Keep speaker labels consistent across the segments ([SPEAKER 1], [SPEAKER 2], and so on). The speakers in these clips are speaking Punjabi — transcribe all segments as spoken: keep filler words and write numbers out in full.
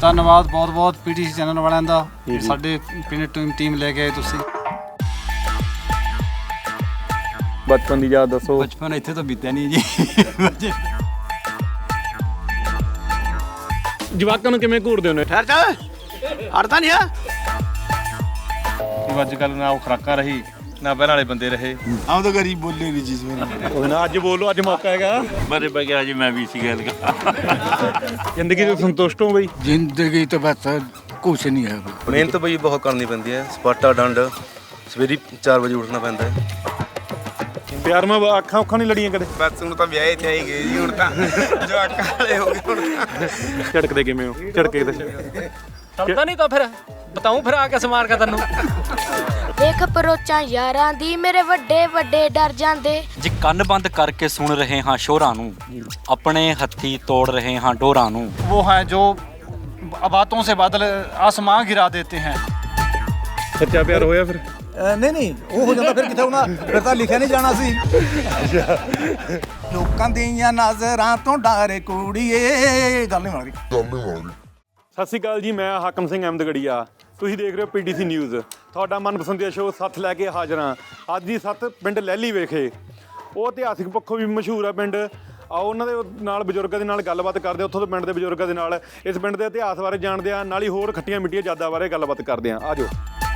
[SPEAKER 1] ਧੰਨਵਾਦ ਬਹੁਤ ਬਹੁਤ ਪੀਟੀਸੀ ਚੈਨਲ ਵਾਲਿਆਂ ਦਾ, ਸਾਡੇ ਪਿੰਡ ਟੀਮ ਟੀਮ ਲੈ ਕੇ ਆਏ ਤੁਸੀਂ।
[SPEAKER 2] ਬਚਪਨ ਦੀ ਯਾਦ ਦੱਸੋ।
[SPEAKER 1] ਬਚਪਨ ਇੱਥੇ ਤਾਂ ਬੀਤਿਆ ਨਹੀਂ ਜੀ।
[SPEAKER 2] ਜਵਾਕਾਂ ਨੂੰ ਕਿਵੇਂ ਘੂਰਦੇ ਹੋ ਨੇ?
[SPEAKER 3] ਠਹਿਰ ਜਾ, ਅੜਦਾ ਨਹੀਂ ਆ।
[SPEAKER 2] ਅੱਜ ਕੱਲ੍ਹ ਨਾ ਉਹ ਖੁਰਾਕਾਂ ਰਹੀ ਨਾ ਪਹਿਲਾਂ ਵਾਲੇ ਬੰਦੇ ਰਹੇ।
[SPEAKER 3] ਆਮ ਤਾਂ ਗਰੀਬ ਬੋਲੇ ਨਹੀਂ ਜਿਸ ਵੇਲੇ।
[SPEAKER 2] ਉਹ ਨਾ ਅੱਜ ਬੋਲੋ, ਅੱਜ ਮੌਕਾ ਹੈਗਾ।
[SPEAKER 4] ਬੜੇ ਬਗਿਆ ਜੀ ਮੈਂ ਵੀ ਸੀ ਗੱਲ
[SPEAKER 2] ਜ਼ਿੰਦਗੀ ਤੋਂ ਸੰਤੁਸ਼ਟ ਹੋ ਬਈ?
[SPEAKER 3] ਜ਼ਿੰਦਗੀ ਤਾਂ ਬਸ ਕੁਛ ਨਹੀਂ ਹੈ।
[SPEAKER 5] ਮਿਹਨਤ ਬਈ ਬਹੁਤ ਕਰਨੀ ਪੈਂਦੀ ਹੈ। ਸਪਾਟਾ ਡੰਡ ਸਵੇਰੇ ਚਾਰ ਵਜੇ ਉੱਠਣਾ ਪੈਂਦਾ ਹੈ।
[SPEAKER 2] ਪਿਆਰ ਮੈਂ ਅੱਖਾਂ ਉੱਖਾਂ ਨਹੀਂ ਲੜੀਆਂ ਕਦੇ?
[SPEAKER 5] ਬਸ ਹੁਣ ਤਾਂ ਵਿਆਹੇ ਤੇ ਆਈ ਗਏ ਜੀ, ਹੁਣ ਤਾਂ ਜਵਾਕਾਂ ਵਾਲੇ ਹੋ ਗਏ। ਹੁਣ
[SPEAKER 2] ਝੜਕਦੇ ਕਿਵੇਂ ਹੋ? ਝੜਕੇ ਤੇ
[SPEAKER 6] ਚੜਦਾ ਨਹੀਂ ਤਾਂ ਫਿਰ ਬਤਾਉਂ ਫਿਰ ਆ ਕੇ ਸਮਾਰ ਕੇ ਤੈਨੂੰ।
[SPEAKER 7] ਦੇਖ ਪਰੋਚਾਂ ਯਾਰਾਂ ਦੀ ਮੇਰੇ ਵੱਡੇ ਵੱਡੇ ਡਰ ਜਾਂਦੇ।
[SPEAKER 6] ਜੀ ਕੰਨ ਬੰਦ ਕਰਕੇ ਸੁਣ ਰਹੇ ਹਾਂ ਸ਼ੋਰਾਂ ਨੂੰ, ਆਪਣੇ ਹੱਥੀ ਤੋੜ ਰਹੇ ਹਾਂ ਡੋਰਾਂ ਨੂੰ।
[SPEAKER 1] वो हैं जो बातों से बादल आसमां गिरा देते हैं।
[SPEAKER 2] ਸੱਚਾ ਪਿਆਰ ਹੋਇਆ ਫਿਰ?
[SPEAKER 3] ਨਹੀਂ ਨਹੀਂ, ਉਹ ਹੋ ਜਾਂਦਾ ਫਿਰ ਕਿੱਥੇ ਹੋਣਾ, ਫਿਰ ਤਾਂ ਲਿਖਿਆ ਨਹੀਂ ਜਾਣਾ ਸੀ। ਲੋਕਾਂ ਦੀਆਂ ਨਜ਼ਰਾਂ ਤੋਂ ਡਾਰੇ ਕੁੜੀਏ। ਗੱਲ ਨਹੀਂ ਮਾਰੀ।
[SPEAKER 2] ਸਤਿ ਸ਼੍ਰੀ ਅਕਾਲ ਜੀ, ਮੈਂ ਹਾਕਮ ਸਿੰਘ ਅਹਿਮਦਗੜੀਆ। ਤੁਸੀਂ ਦੇਖ ਰਹੇ ਹੋ ਪੀਟੀਸੀ ਨਿਊਜ਼, ਤੁਹਾਡਾ ਮਨਪਸੰਦੀਦਾ ਸ਼ੋਅ ਸੱਥ ਲੈ ਕੇ ਹਾਜ਼ਰ ਹਾਂ। ਅੱਜ ਦੀ ਸੱਥ ਪਿੰਡ ਲਹਿਲੀ ਵਿਖੇ। ਉਹ ਇਤਿਹਾਸਿਕ ਪੱਖੋਂ ਵੀ ਮਸ਼ਹੂਰ ਆ ਪਿੰਡ। ਆਓ ਉਹਨਾਂ ਦੇ ਨਾਲ ਬਜ਼ੁਰਗਾਂ ਦੇ ਨਾਲ ਗੱਲਬਾਤ ਕਰਦੇ ਹਾਂ, ਉੱਥੋਂ ਦੇ ਪਿੰਡ ਦੇ ਬਜ਼ੁਰਗਾਂ ਦੇ ਨਾਲ ਇਸ ਪਿੰਡ ਦੇ ਇਤਿਹਾਸ ਬਾਰੇ ਜਾਣਦੇ ਹਾਂ, ਨਾਲ ਹੀ ਹੋਰ ਖੱਟੀਆਂ ਮਿੱਠੀਆਂ ਯਾਦਾਂ ਬਾਰੇ ਗੱਲਬਾਤ ਕਰਦੇ ਹਾਂ। ਆ ਜਾਓ।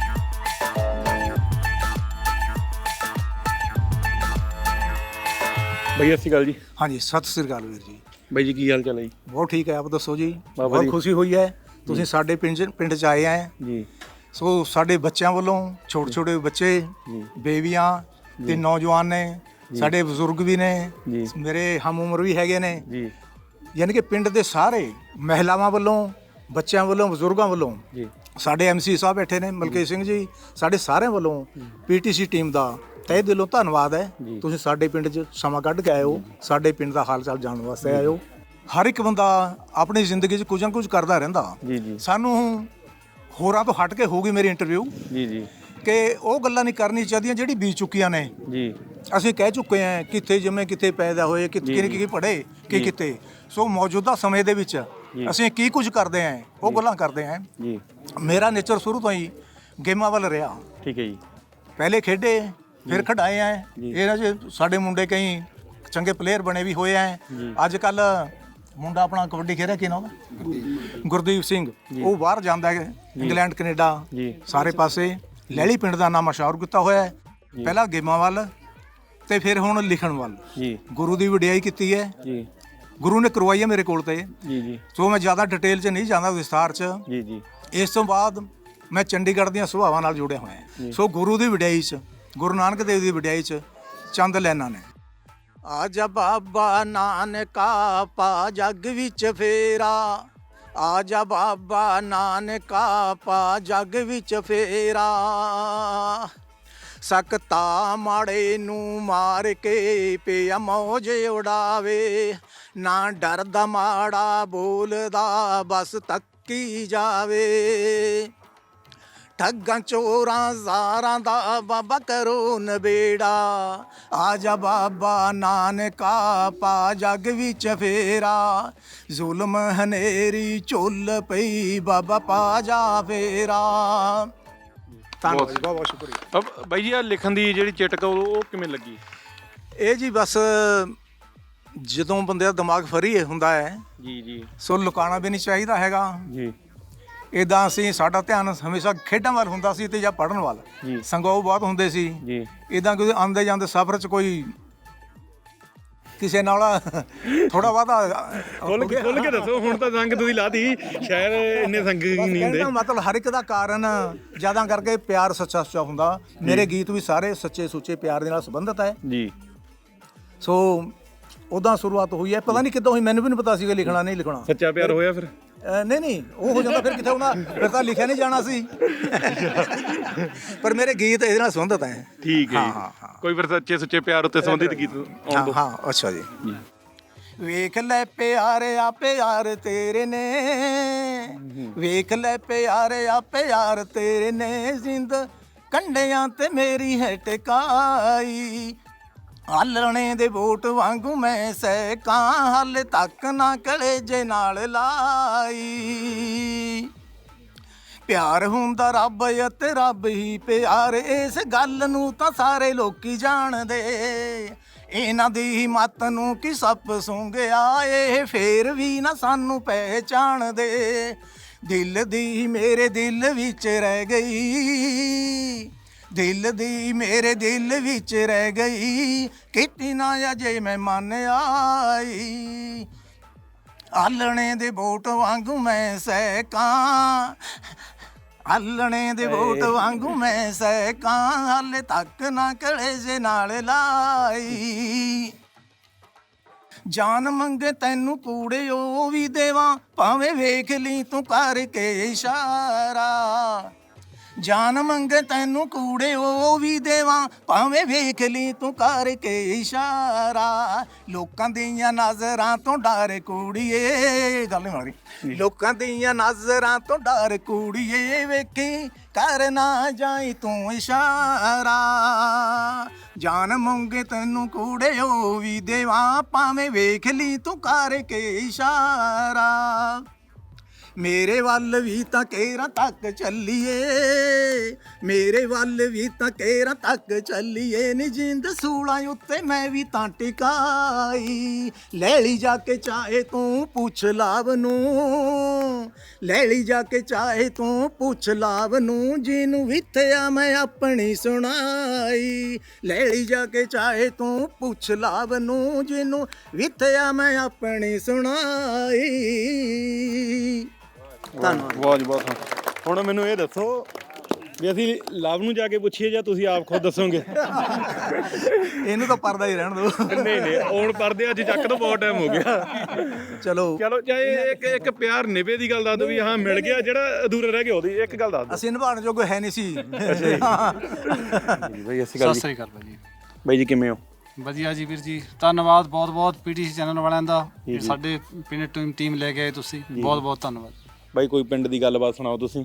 [SPEAKER 2] ਬਈ ਸਤਿ ਸ਼੍ਰੀ ਅਕਾਲ ਜੀ।
[SPEAKER 3] ਹਾਂਜੀ, ਸਤਿ ਸ੍ਰੀ ਅਕਾਲ ਵੀਰ ਜੀ।
[SPEAKER 2] ਬਾਈ ਜੀ ਕੀ ਹਾਲ ਚਾਲ ਹੈ ਜੀ?
[SPEAKER 3] ਬਹੁਤ ਠੀਕ ਹੈ, ਆਪ ਦੱਸੋ ਜੀ।
[SPEAKER 2] ਬਹੁਤ
[SPEAKER 3] ਬਹੁਤ ਖੁਸ਼ੀ ਹੋਈ ਹੈ ਤੁਸੀਂ ਸਾਡੇ ਪਿੰਡ ਪਿੰਡ 'ਚ ਆਏ ਹੈ
[SPEAKER 2] ਜੀ।
[SPEAKER 3] ਸੋ ਸਾਡੇ ਬੱਚਿਆਂ ਵੱਲੋਂ ਛੋਟੇ ਛੋਟੇ ਬੱਚੇ, ਬੇਬੀਆਂ ਤੇ ਨੌਜਵਾਨ ਨੇ, ਸਾਡੇ ਬਜ਼ੁਰਗ ਵੀ ਨੇ, ਮੇਰੇ ਹਮ ਉਮਰ ਵੀ ਹੈਗੇ ਨੇ
[SPEAKER 2] ਜੀ।
[SPEAKER 3] ਯਾਨੀ ਕਿ ਪਿੰਡ ਦੇ ਸਾਰੇ ਮਹਿਲਾਵਾਂ ਵੱਲੋਂ, ਬੱਚਿਆਂ ਵੱਲੋਂ, ਬਜ਼ੁਰਗਾਂ ਵੱਲੋਂ, ਸਾਡੇ ਐਮਸੀ ਸਾਹਿਬ ਬੈਠੇ ਨੇ ਮਲਕੀਤ ਸਿੰਘ ਜੀ, ਸਾਡੇ ਸਾਰਿਆਂ ਵੱਲੋਂ ਪੀਟੀਸੀ ਟੀਮ ਦਾ ਤਹਿ ਦਿਲੋਂ ਧੰਨਵਾਦ ਹੈ। ਤੁਸੀਂ ਸਾਡੇ ਪਿੰਡ 'ਚ ਸਮਾਂ ਕੱਢ ਕੇ ਆਏ ਹੋ, ਸਾਡੇ ਪਿੰਡ ਦਾ ਹਾਲ ਚਾਲ ਜਾਣਨ ਵਾਸਤੇ ਆਏ ਹੋ। ਹਰ ਇੱਕ ਬੰਦਾ ਆਪਣੀ ਜ਼ਿੰਦਗੀ 'ਚ ਕੁਝ ਨਾ ਕੁਝ ਕਰਦਾ ਰਹਿੰਦਾ। ਸਾਨੂੰ ਹੋਰਾਂ ਤੋਂ ਹਟ ਕੇ ਹੋਊਗੀ ਮੇਰੀ ਇੰਟਰਵਿਊ
[SPEAKER 2] ਜੀ ਜੀ
[SPEAKER 3] ਕਿ ਉਹ ਗੱਲਾਂ ਨਹੀਂ ਕਰਨੀ ਚਾਹੀਦੀਆਂ ਜਿਹੜੀ ਬੀਤ ਚੁੱਕੀਆਂ ਨੇ
[SPEAKER 2] ਜੀ।
[SPEAKER 3] ਅਸੀਂ ਕਹਿ ਚੁੱਕੇ ਹਾਂ ਕਿੱਥੇ ਜੰਮੇ, ਕਿੱਥੇ ਪੈਦਾ ਹੋਏ, ਕਿੱਥੇ ਕੀ ਪੜ੍ਹੇ, ਕੀ ਕਿਤੇ। ਸੋ ਮੌਜੂਦਾ ਸਮੇਂ ਦੇ ਵਿੱਚ ਅਸੀਂ ਕੀ ਕੁਝ ਕਰਦੇ ਹਾਂ ਉਹ ਗੱਲਾਂ ਕਰਦੇ ਹਾਂ ਜੀ। ਮੇਰਾ ਨੇਚਰ ਸ਼ੁਰੂ ਤੋਂ ਹੀ ਗੇਮਾਂ ਵੱਲ ਰਿਹਾ।
[SPEAKER 2] ਠੀਕ ਹੈ ਜੀ।
[SPEAKER 3] ਪਹਿਲੇ ਖੇਡੇ, ਫਿਰ ਖਿਡਾਏ ਆ। ਇਹਨਾਂ 'ਚ ਸਾਡੇ ਮੁੰਡੇ ਕਈ ਚੰਗੇ ਪਲੇਅਰ ਬਣੇ ਵੀ ਹੋਏ ਆ। ਅੱਜ ਕੱਲ ਮੁੰਡਾ ਆਪਣਾ ਕਬੱਡੀ ਖੇਡ ਰਿਹਾ, ਕੀ ਨਾਮ ਉਹਦਾ? ਗੁਰਦੀਪ ਸਿੰਘ। ਉਹ ਬਾਹਰ ਜਾਂਦਾ ਹੈ, ਇੰਗਲੈਂਡ, ਕੈਨੇਡਾ, ਸਾਰੇ ਪਾਸੇ। ਲਹਿਲੀ ਪਿੰਡ ਦਾ ਨਾਮ ਮਸ਼ਹੂਰ ਕੀਤਾ ਹੋਇਆ ਹੈ, ਪਹਿਲਾਂ ਗੇਮਾਂ ਵੱਲ ਤੇ ਫਿਰ ਹੁਣ ਲਿਖਣ ਵੱਲ। ਗੁਰੂ ਦੀ ਵਡਿਆਈ ਕੀਤੀ ਹੈ, ਗੁਰੂ ਨੇ ਕਰਵਾਈ ਹੈ ਮੇਰੇ ਕੋਲ ਤੇ। ਸੋ ਮੈਂ ਜ਼ਿਆਦਾ ਡਿਟੇਲ 'ਚ ਨਹੀਂ ਜਾਂਦਾ, ਵਿਸਥਾਰ 'ਚ। ਇਸ ਤੋਂ ਬਾਅਦ ਮੈਂ ਚੰਡੀਗੜ੍ਹ ਦੀਆਂ ਸੁਭਾਵਾਂ ਨਾਲ ਜੁੜਿਆ ਹੋਇਆ। ਸੋ ਗੁਰੂ ਦੀ ਵਡਿਆਈ 'ਚ, ਗੁਰੂ ਨਾਨਕ ਦੇਵ ਦੀ ਵਡਿਆਈ 'ਚ ਚੰਦ ਲੈਣਾ ਨੇ। ਆਜਾ ਬਾਬਾ ਨਾਨਕਾ ਪਾ ਜੱਗ ਵਿੱਚ ਫੇਰਾ, ਆਜਾ ਬਾਬਾ ਨਾਨਕਾ ਪਾ ਜੱਗ ਵਿੱਚ ਫੇਰਾ। ਸਕਤਾ ਮਾੜੇ ਨੂੰ ਮਾਰ ਕੇ ਪਿਆ ਮੌਜ ਉਡਾਵੇ, ਨਾ ਡਰਦਾ ਮਾੜਾ ਬੋਲਦਾ ਬਸ ਤੱਕੀ ਜਾਵੇ। ਠੱਗਾਂ ਚੋਰਾਂ ਜ਼ਾਰਾਂ ਦਾ ਬਾਬਾ ਕਰੋ ਨਬੇੜਾ, ਆਜਾ ਬਾਬਾ ਨਾਨਕਾ ਪਾ ਜੱਗ ਵਿੱਚ ਫੇਰਾ। ਜ਼ੁਲਮ ਹਨੇਰੀ ਝੁੱਲ ਪਈ ਬਾਬਾ ਪਾ ਜਾ ਫੇਰਾ। ਧੰਨਵਾਦ, ਬਹੁਤ ਬਹੁਤ ਸ਼ੁਕਰੀਆ।
[SPEAKER 2] ਬਾਈ ਜੀ, ਆ ਲਿਖਣ ਦੀ ਜਿਹੜੀ ਚਿਟਕ ਉਹ ਕਿਵੇਂ ਲੱਗੀ?
[SPEAKER 3] ਇਹ ਜੀ ਬਸ ਜਦੋਂ ਬੰਦੇ ਦਾ ਦਿਮਾਗ ਫਰੀ ਹੁੰਦਾ ਹੈ
[SPEAKER 2] ਜੀ ਜੀ,
[SPEAKER 3] ਸੋ ਲੁਕਾਉਣਾ ਵੀ ਨਹੀਂ ਚਾਹੀਦਾ ਹੈਗਾ
[SPEAKER 2] ਜੀ।
[SPEAKER 3] ਇੱਦਾਂ ਅਸੀਂ, ਸਾਡਾ ਧਿਆਨ ਹਮੇਸ਼ਾ ਖੇਡਾਂ ਵੱਲ ਹੁੰਦਾ ਸੀ ਤੇ ਜਾਂ ਪੜ੍ਹਨ ਵੱਲ। ਸੰਗੋਹ ਬਹੁਤ ਹੁੰਦੇ ਸੀ
[SPEAKER 2] ਜੀ।
[SPEAKER 3] ਇੱਦਾਂ ਕੋਈ ਆਉਂਦੇ ਜਾਂਦੇ ਸਫ਼ਰ 'ਚ ਕੋਈ ਕਿਸੇ ਨਾਲ ਥੋੜਾ ਬਹੁਤਾ
[SPEAKER 2] ਖੁੱਲ ਕੇ ਖੁੱਲ ਕੇ ਦੱਸੋ। ਹੁਣ ਤਾਂ ਸੰਗ ਤੁਸੀਂ ਲਾਤੀ, ਸ਼ਾਇਦ ਇੰਨੇ ਸੰਗ ਨਹੀਂ ਹੁੰਦੇ।
[SPEAKER 3] ਮਤਲਬ ਹਰ ਇੱਕ ਦਾ ਕਾਰਨ ਜ਼ਿਆਦਾ ਕਰਕੇ ਪਿਆਰ ਸੱਚਾ ਸੁੱਚਾ ਹੁੰਦਾ। ਮੇਰੇ ਗੀਤ ਵੀ ਸਾਰੇ ਸੱਚੇ ਸੁੱਚੇ ਪਿਆਰ ਦੇ ਨਾਲ ਸੰਬੰਧਿਤ ਹੈ
[SPEAKER 2] ਜੀ।
[SPEAKER 3] ਸੋ ਉੱਦਾਂ ਸ਼ੁਰੂਆਤ ਹੋਈ ਹੈ। ਪਤਾ ਨਹੀਂ ਕਿੱਦਾਂ ਹੋਈ, ਮੈਨੂੰ ਵੀ ਨਹੀਂ ਪਤਾ ਸੀਗਾ ਲਿਖਣਾ ਨਹੀਂ ਲਿਖਣਾ।
[SPEAKER 2] ਸੱਚਾ ਪਿਆਰ ਹੋਇਆ ਫਿਰ?
[SPEAKER 3] ਨਹੀਂ ਨਹੀਂ, ਉਹ ਹੋ ਜਾਂਦਾ ਫਿਰ ਕਿੱਥੇ ਹੋਣਾ, ਫਿਰ ਤਾਂ ਲਿਖਿਆ ਨਹੀਂ ਜਾਣਾ ਸੀ। ਪਰ ਮੇਰੇ ਗੀਤ ਇਹਦੇ ਨਾਲ ਸੰਬੰਧਿਤ ਹੈ।
[SPEAKER 2] ਠੀਕ ਹੈ ਜੀ। ਕੋਈ ਫਿਰ ਸੱਚੇ ਸੁੱਚੇ ਪਿਆਰ ਉੱਤੇ ਸੰਬੰਧਿਤ ਗੀਤ ਆਉਣ ਦਿਓ।
[SPEAKER 3] ਹਾਂ, ਅੱਛਾ ਜੀ। ਵੇਖ ਲੈ ਪਿਆਰਿਆ ਪਿਆਰ ਤੇਰੇ ਨੇ, ਵੇਖ ਲੈ ਪਿਆਰਿਆ ਪਿਆਰ ਤੇਰੇ ਨੇ, ਜ਼ਿੰਦ ਕੰਢਿਆਂ ਤੇ ਮੇਰੀ ਹੈ ਟਿਕਾਈ। ਆਲਣੇ ਦੇ ਵੋਟ ਵਾਂਗੂ ਮੈਂ ਸਹਿਕਾਂ, ਹਾਲੇ ਤੱਕ ਨਾ ਕਲੇਜੇ ਨਾਲ ਲਾਈ। ਪਿਆਰ ਹੁੰਦਾ ਰੱਬ ਅਤੇ ਰੱਬ ਹੀ ਪਿਆਰ, ਇਸ ਗੱਲ ਨੂੰ ਤਾਂ ਸਾਰੇ ਲੋਕੀ ਜਾਣਦੇ। ਇਹਨਾਂ ਦੀ ਮੱਤ ਨੂੰ ਕੀ ਸੱਪ ਸੁੰਘਿਆ, ਇਹ ਫੇਰ ਵੀ ਨਾ ਸਾਨੂੰ ਪਹਿਚਾਣਦੇ। ਦਿਲ ਦੀ ਮੇਰੇ ਦਿਲ ਵਿੱਚ ਰਹਿ ਗਈ, ਦਿਲ ਦੀ ਮੇਰੇ ਦਿਲ ਵਿੱਚ ਰਹਿ ਗਈ, ਕਿਤੇ ਨਾ ਅਜੇ ਮੈਂ ਮੰਨ ਆਈ। ਆਲਣੇ ਦੇ ਬੋਟ ਵਾਂਗੂ ਮੈਂ ਸਹਿਕਾਂ, ਆਲਣੇ ਦੇ ਬੋਟ ਵਾਂਗੂ ਮੈਂ ਸਹਿਕਾਂ, ਹਾਲੇ ਤੱਕ ਨਾ ਕਲੇਜੇ ਨਾਲ ਲਾਈ। ਜਾਨ ਮੰਗੇ ਤੈਨੂੰ ਕੂੜੇ ਉਹ ਵੀ ਦੇਵਾਂ, ਭਾਵੇਂ ਵੇਖ ਲਈ ਤੂੰ ਕਰਕੇ ਇਸ਼ਾਰਾ। ਜਾਨ ਮੰਗੇ ਤੈਨੂੰ ਕੂੜੇ ਉਹ ਵੀ ਦੇਵਾਂ, ਭਾਵੇਂ ਵੇਖ ਲਈ ਤੂੰ ਕਰਕੇ ਇਸ਼ਾਰਾ। ਲੋਕਾਂ ਦੀਆਂ ਨਜ਼ਰਾਂ ਤੋਂ ਡਰ ਕੁੜੀਏ, ਗੱਲ ਨਹੀਂ ਮਾਰੀ। ਲੋਕਾਂ ਦੀਆਂ ਨਜ਼ਰਾਂ ਤੋਂ ਡਰ ਕੁੜੀਏ, ਵੇਖੀ ਕਰ ਨਾ ਜਾਈ ਤੂੰ ਇਸ਼ਾਰਾ। ਜਾਨ ਮੰਗੇ ਤੈਨੂੰ ਕੂੜੇ ਉਹ ਵੀ ਦੇਵਾਂ, ਭਾਵੇਂ ਵੇਖ ਲਈ ਤੂੰ ਕਰਕੇ ਇਸ਼ਾਰਾ। ਮੇਰੇ ਵੱਲ ਵੀ ਤਾਂ ਕੇਰਾਂ ਤੱਕ ਚੱਲੀਏ, ਮੇਰੇ ਵੱਲ ਵੀ ਤਾਂ ਕੇਰਾਂ ਤੱਕ ਚੱਲੀਏ ਨੀ। ਜਿੰਦ ਸੂਲਾਂ ਉੱਤੇ ਮੈਂ ਵੀ ਤਾਂ ਟਿਕਾਈ, ਲੈ ਲਈ ਜਾ ਕੇ ਚਾਹੇ ਤੂੰ ਪੁੱਛ ਲਾਭ ਨੂੰ, ਲੈ ਲਈ ਜਾ ਕੇ ਚਾਹੇ ਤੂੰ ਪੁੱਛ ਲਾਭ ਨੂੰ। ਜਿਹਨੂੰ ਵਿਥਿਆ ਮੈਂ ਆਪਣੀ ਸੁਣਾਈ, ਲੈ ਲਈ ਜਾ ਕੇ ਚਾਹੇ ਤੂੰ ਪੁੱਛ ਲਾਭ ਨੂੰ। ਜਿਹਨੂੰ ਵਿਥਿਆ ਮੈਂ ਆਪਣੀ ਸੁਣਾਈ। ਧੰਨਵਾਦ।
[SPEAKER 2] ਬਹੁਤ ਬਹੁਤ ਸੋਹਣਾ। ਹੁਣ ਮੈਨੂੰ ਇਹ ਦੱਸੋ ਵੀ ਅਸੀਂ ਲਵ ਨੂੰ ਜਾ ਕੇ ਪੁੱਛੀਏ ਜਾਂ ਤੁਸੀਂ ਆਪ ਖੁਦ ਦੱਸੋਗੇ?
[SPEAKER 3] ਇਹਨੂੰ ਤਾਂ ਪਰਦਾ ਹੀ ਰਹਿਣ ਦਿਓ।
[SPEAKER 2] ਨਹੀਂ ਨਹੀਂ ਹੁਣ ਪਰਦੇ ਅੱਜ ਚੱਕ ਤੋਂ ਬਹੁਤ ਟਾਈਮ ਹੋ ਗਿਆ।
[SPEAKER 3] ਚਲੋ
[SPEAKER 2] ਚਲੋ ਚਾਹੇ ਇੱਕ ਇੱਕ ਪਿਆਰ ਨਿਭੇ ਦੀ ਗੱਲ ਦੱਸ ਦਿਓ ਵੀ ਹਾਂ ਮਿਲ ਗਿਆ, ਜਿਹੜਾ ਅਧੂਰਾ ਰਹਿ ਗਿਆ ਉਹਦੀ ਇੱਕ ਗੱਲ ਦੱਸ ਦਿਓ।
[SPEAKER 3] ਅਸੀਂ ਨਿਭਾਉਣ ਜੋਗੇ ਹੈ ਨਹੀਂ ਸੀ।
[SPEAKER 2] ਬਈ ਅਸੀਂ
[SPEAKER 1] ਸਤਿ ਸ੍ਰੀ ਅਕਾਲ ਭਾਜੀ।
[SPEAKER 2] ਬਾਈ ਜੀ ਕਿਵੇਂ ਹੋ?
[SPEAKER 1] ਵਧੀਆ ਜੀ ਵੀਰ ਜੀ, ਧੰਨਵਾਦ ਬਹੁਤ ਬਹੁਤ ਪੀਟੀਸੀ ਚੈਨਲ ਵਾਲਿਆਂ ਦਾ, ਕਿ ਸਾਡੇ ਪਿੰਡ ਟੀਮ ਟੀਮ ਲੈ ਕੇ ਆਏ ਤੁਸੀਂ, ਬਹੁਤ ਬਹੁਤ ਧੰਨਵਾਦ।
[SPEAKER 2] ਬਾਈ ਕੋਈ ਪਿੰਡ ਦੀ ਗੱਲਬਾਤ ਸੁਣਾਓ ਤੁਸੀਂ।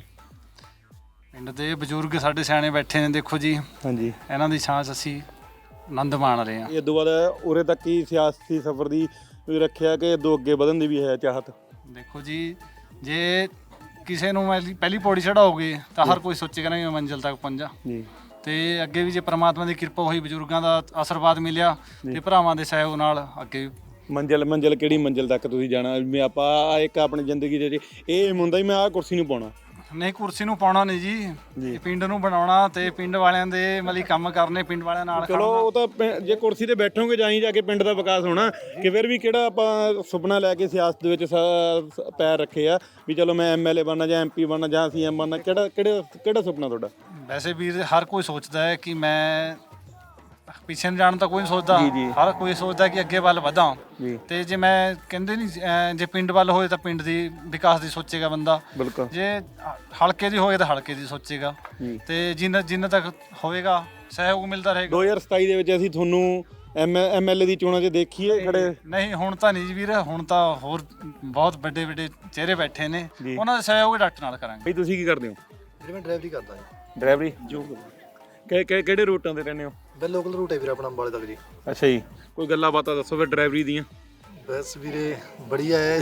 [SPEAKER 1] ਪਿੰਡ ਦੇ ਬਜ਼ੁਰਗ ਸਾਡੇ ਸਿਆਣੇ ਬੈਠੇ ਨੇ, ਦੇਖੋ ਜੀ
[SPEAKER 2] ਹਾਂਜੀ,
[SPEAKER 1] ਇਹਨਾਂ ਦੀ ਛਾਂ 'ਚ ਅਸੀਂ ਆਨੰਦ ਮਾਣ ਰਹੇ ਹਾਂ।
[SPEAKER 2] ਇਹ ਤੋਂ ਬਾਅਦ ਉਰੇ ਤੱਕ ਹੀ ਸਿਆਸੀ ਸਫ਼ਰ ਦੀ ਰੱਖਿਆ ਕਿ ਦੋ ਅੱਗੇ ਵਧਣ ਦੀ ਵੀ ਹੈ ਚਾਹਤ?
[SPEAKER 1] ਦੇਖੋ ਜੀ, ਜੇ ਕਿਸੇ ਨੂੰ ਪਹਿਲੀ ਪਹਿਲੀ ਪੌੜੀ ਚੜਾਓਗੇ ਤਾਂ ਹਰ ਕੋਈ ਸੋਚੇਗਾ ਨਾ ਮੈਂ ਮੰਜ਼ਿਲ ਤੱਕ ਪਹੁੰਚਾਂ
[SPEAKER 2] ਜੀ।
[SPEAKER 1] ਤੇ ਅੱਗੇ ਵੀ ਜੇ ਪ੍ਰਮਾਤਮਾ ਦੀ ਕਿਰਪਾ ਹੋਈ, ਬਜ਼ੁਰਗਾਂ ਦਾ ਆਸ਼ੀਰਵਾਦ ਮਿਲਿਆ ਤੇ ਭਰਾਵਾਂ ਦੇ ਸਹਿਯੋਗ ਨਾਲ ਅੱਗੇ
[SPEAKER 2] ਮੰਜ਼ਿਲ ਮੰਜ਼ਿਲ ਕਿਹੜੀ ਮੰਜ਼ਿਲ ਤੱਕ ਤੁਸੀਂ ਜਾਣਾ? ਮੈਂ ਆਪਾਂ ਇੱਕ ਆਪਣੀ ਜ਼ਿੰਦਗੀ ਦੇ ਇਹ ਹੁੰਦਾ ਹੀ ਮੈਂ ਆਹ ਕੁਰਸੀ ਨੂੰ ਪਾਉਣਾ।
[SPEAKER 1] ਨਹੀਂ, ਕੁਰਸੀ ਨੂੰ ਪਾਉਣਾ ਨਹੀਂ ਜੀ, ਇਹ ਪਿੰਡ ਨੂੰ ਬਣਾਉਣਾ ਤੇ ਪਿੰਡ ਵਾਲਿਆਂ ਦੇ ਮਤਲਬ ਕੰਮ ਕਰਨੇ, ਪਿੰਡ ਵਾਲਿਆਂ ਨਾਲ
[SPEAKER 2] ਚਲੋ ਉਹ ਤਾਂ ਪਿੰ- ਜੇ ਕੁਰਸੀ ਤੇ ਬੈਠੋਗੇ ਜਾਈ ਜਾ ਕੇ ਪਿੰਡ ਦਾ ਵਿਕਾਸ ਹੋਣਾ। ਕਿ ਫਿਰ ਵੀ ਕਿਹੜਾ ਆਪਾਂ ਸੁਪਨਾ ਲੈ ਕੇ ਸਿਆਸਤ ਦੇ ਵਿੱਚ ਸ- ਸ- ਪੈਰ ਰੱਖੇ ਆ ਵੀ ਚਲੋ ਮੈਂ ਐਮ ਐਲ ਏ ਬਣਨਾ ਜਾਂ ਐਮ ਪੀ ਬਣਨਾ ਜਾਂ ਸੀ ਐਮ ਬਣਨਾ? ਕਿਹੜਾ ਕਿਹੜਾ ਕਿਹੜਾ ਸੁਪਨਾ ਤੁਹਾਡਾ?
[SPEAKER 1] ਵੈਸੇ ਵੀਰ ਹਰ ਕੋਈ ਸੋਚਦਾ ਹੈ ਕਿ ਮੈਂ ਪਿੱਛੇ ਨੂੰ ਜਾਣ ਤਾਂ ਕੋਈ ਨਹੀਂ ਸੋਚਦਾ, ਹਰ ਕੋਈ ਸੋਚਦਾ ਕਿ ਅੱਗੇ ਵੱਲ ਵਧਾਂ। ਤੇ ਜੇ ਮੈਂ ਕਹਿੰਦੇ ਨਹੀਂ ਅਹ ਜੇ ਪਿੰਡ ਵੱਲ ਹੋਏ ਤਾਂ ਪਿੰਡ ਦੀ ਵਿਕਾਸ ਦੀ ਸੋਚੇਗਾ ਬੰਦਾ,
[SPEAKER 2] ਬਿਲਕੁਲ।
[SPEAKER 1] ਜੇ ਹਲਕੇ ਦੀ ਹੋਏ ਤਾਂ ਹਲਕੇ ਦੀ ਸੋਚੇਗਾ, ਤੇ ਜਿੰਨਾ ਜਿੰਨਾ ਤੱਕ ਹੋਵੇਗਾ ਸਹਿਯੋਗ ਮਿਲਦਾ ਰਹੇਗਾ।
[SPEAKER 2] ਦੋ ਹਜ਼ਾਰ ਸਤਾਈ ਦੇ ਵਿੱਚ ਅਸੀਂ ਤੁਹਾਨੂੰ ਐਮ ਐਮ ਐਲ ਏ ਦੀ ਚੋਣਾਂ 'ਚ ਦੇਖੀਏ ਖੜੇ?
[SPEAKER 1] ਨਹੀਂ, ਹੁਣ ਤਾਂ ਨਹੀਂ ਜੀ ਵੀਰ, ਹੁਣ ਤਾਂ ਹੋਰ ਬਹੁਤ ਵੱਡੇ ਵੱਡੇ ਚਿਹਰੇ ਬੈਠੇ ਨੇ, ਉਹਨਾਂ ਦਾ ਸਹਿਯੋਗ ਡਾਕਟਰ ਨਾਲ ਕਰਾਂਗੇ।
[SPEAKER 2] ਬਈ ਤੁਸੀਂ ਕੀ ਕਰਦੇ ਹੋ?
[SPEAKER 8] ਵੀਰੇ ਮੈਂ ਡਰਾਈਵਰੀ ਕਰਦਾ ਜੀ।
[SPEAKER 2] ਡਰਾਈਵਰੀ ਜੋ ਕਿ ਕਿਹੜੇ ਰੂਟਾਂ ਤੇ ਰਹਿੰਦੇ ਹੋ?
[SPEAKER 8] ਬਸ ਲੋਕਲ ਰੂਟ ਹੈ ਵੀਰੇ ਆਪਣਾ ਅੰਬਾਲੇ ਤੱਕ ਜੀ।
[SPEAKER 2] ਅੱਛਾ ਜੀ, ਕੋਈ ਗੱਲਾਂ ਬਾਤਾਂ ਦੱਸੋ ਫਿਰ ਡਰਾਈਵਰੀ ਦੀਆਂ।
[SPEAKER 8] ਬਸ ਵੀਰੇ ਬੜੀਆ ਹੈ।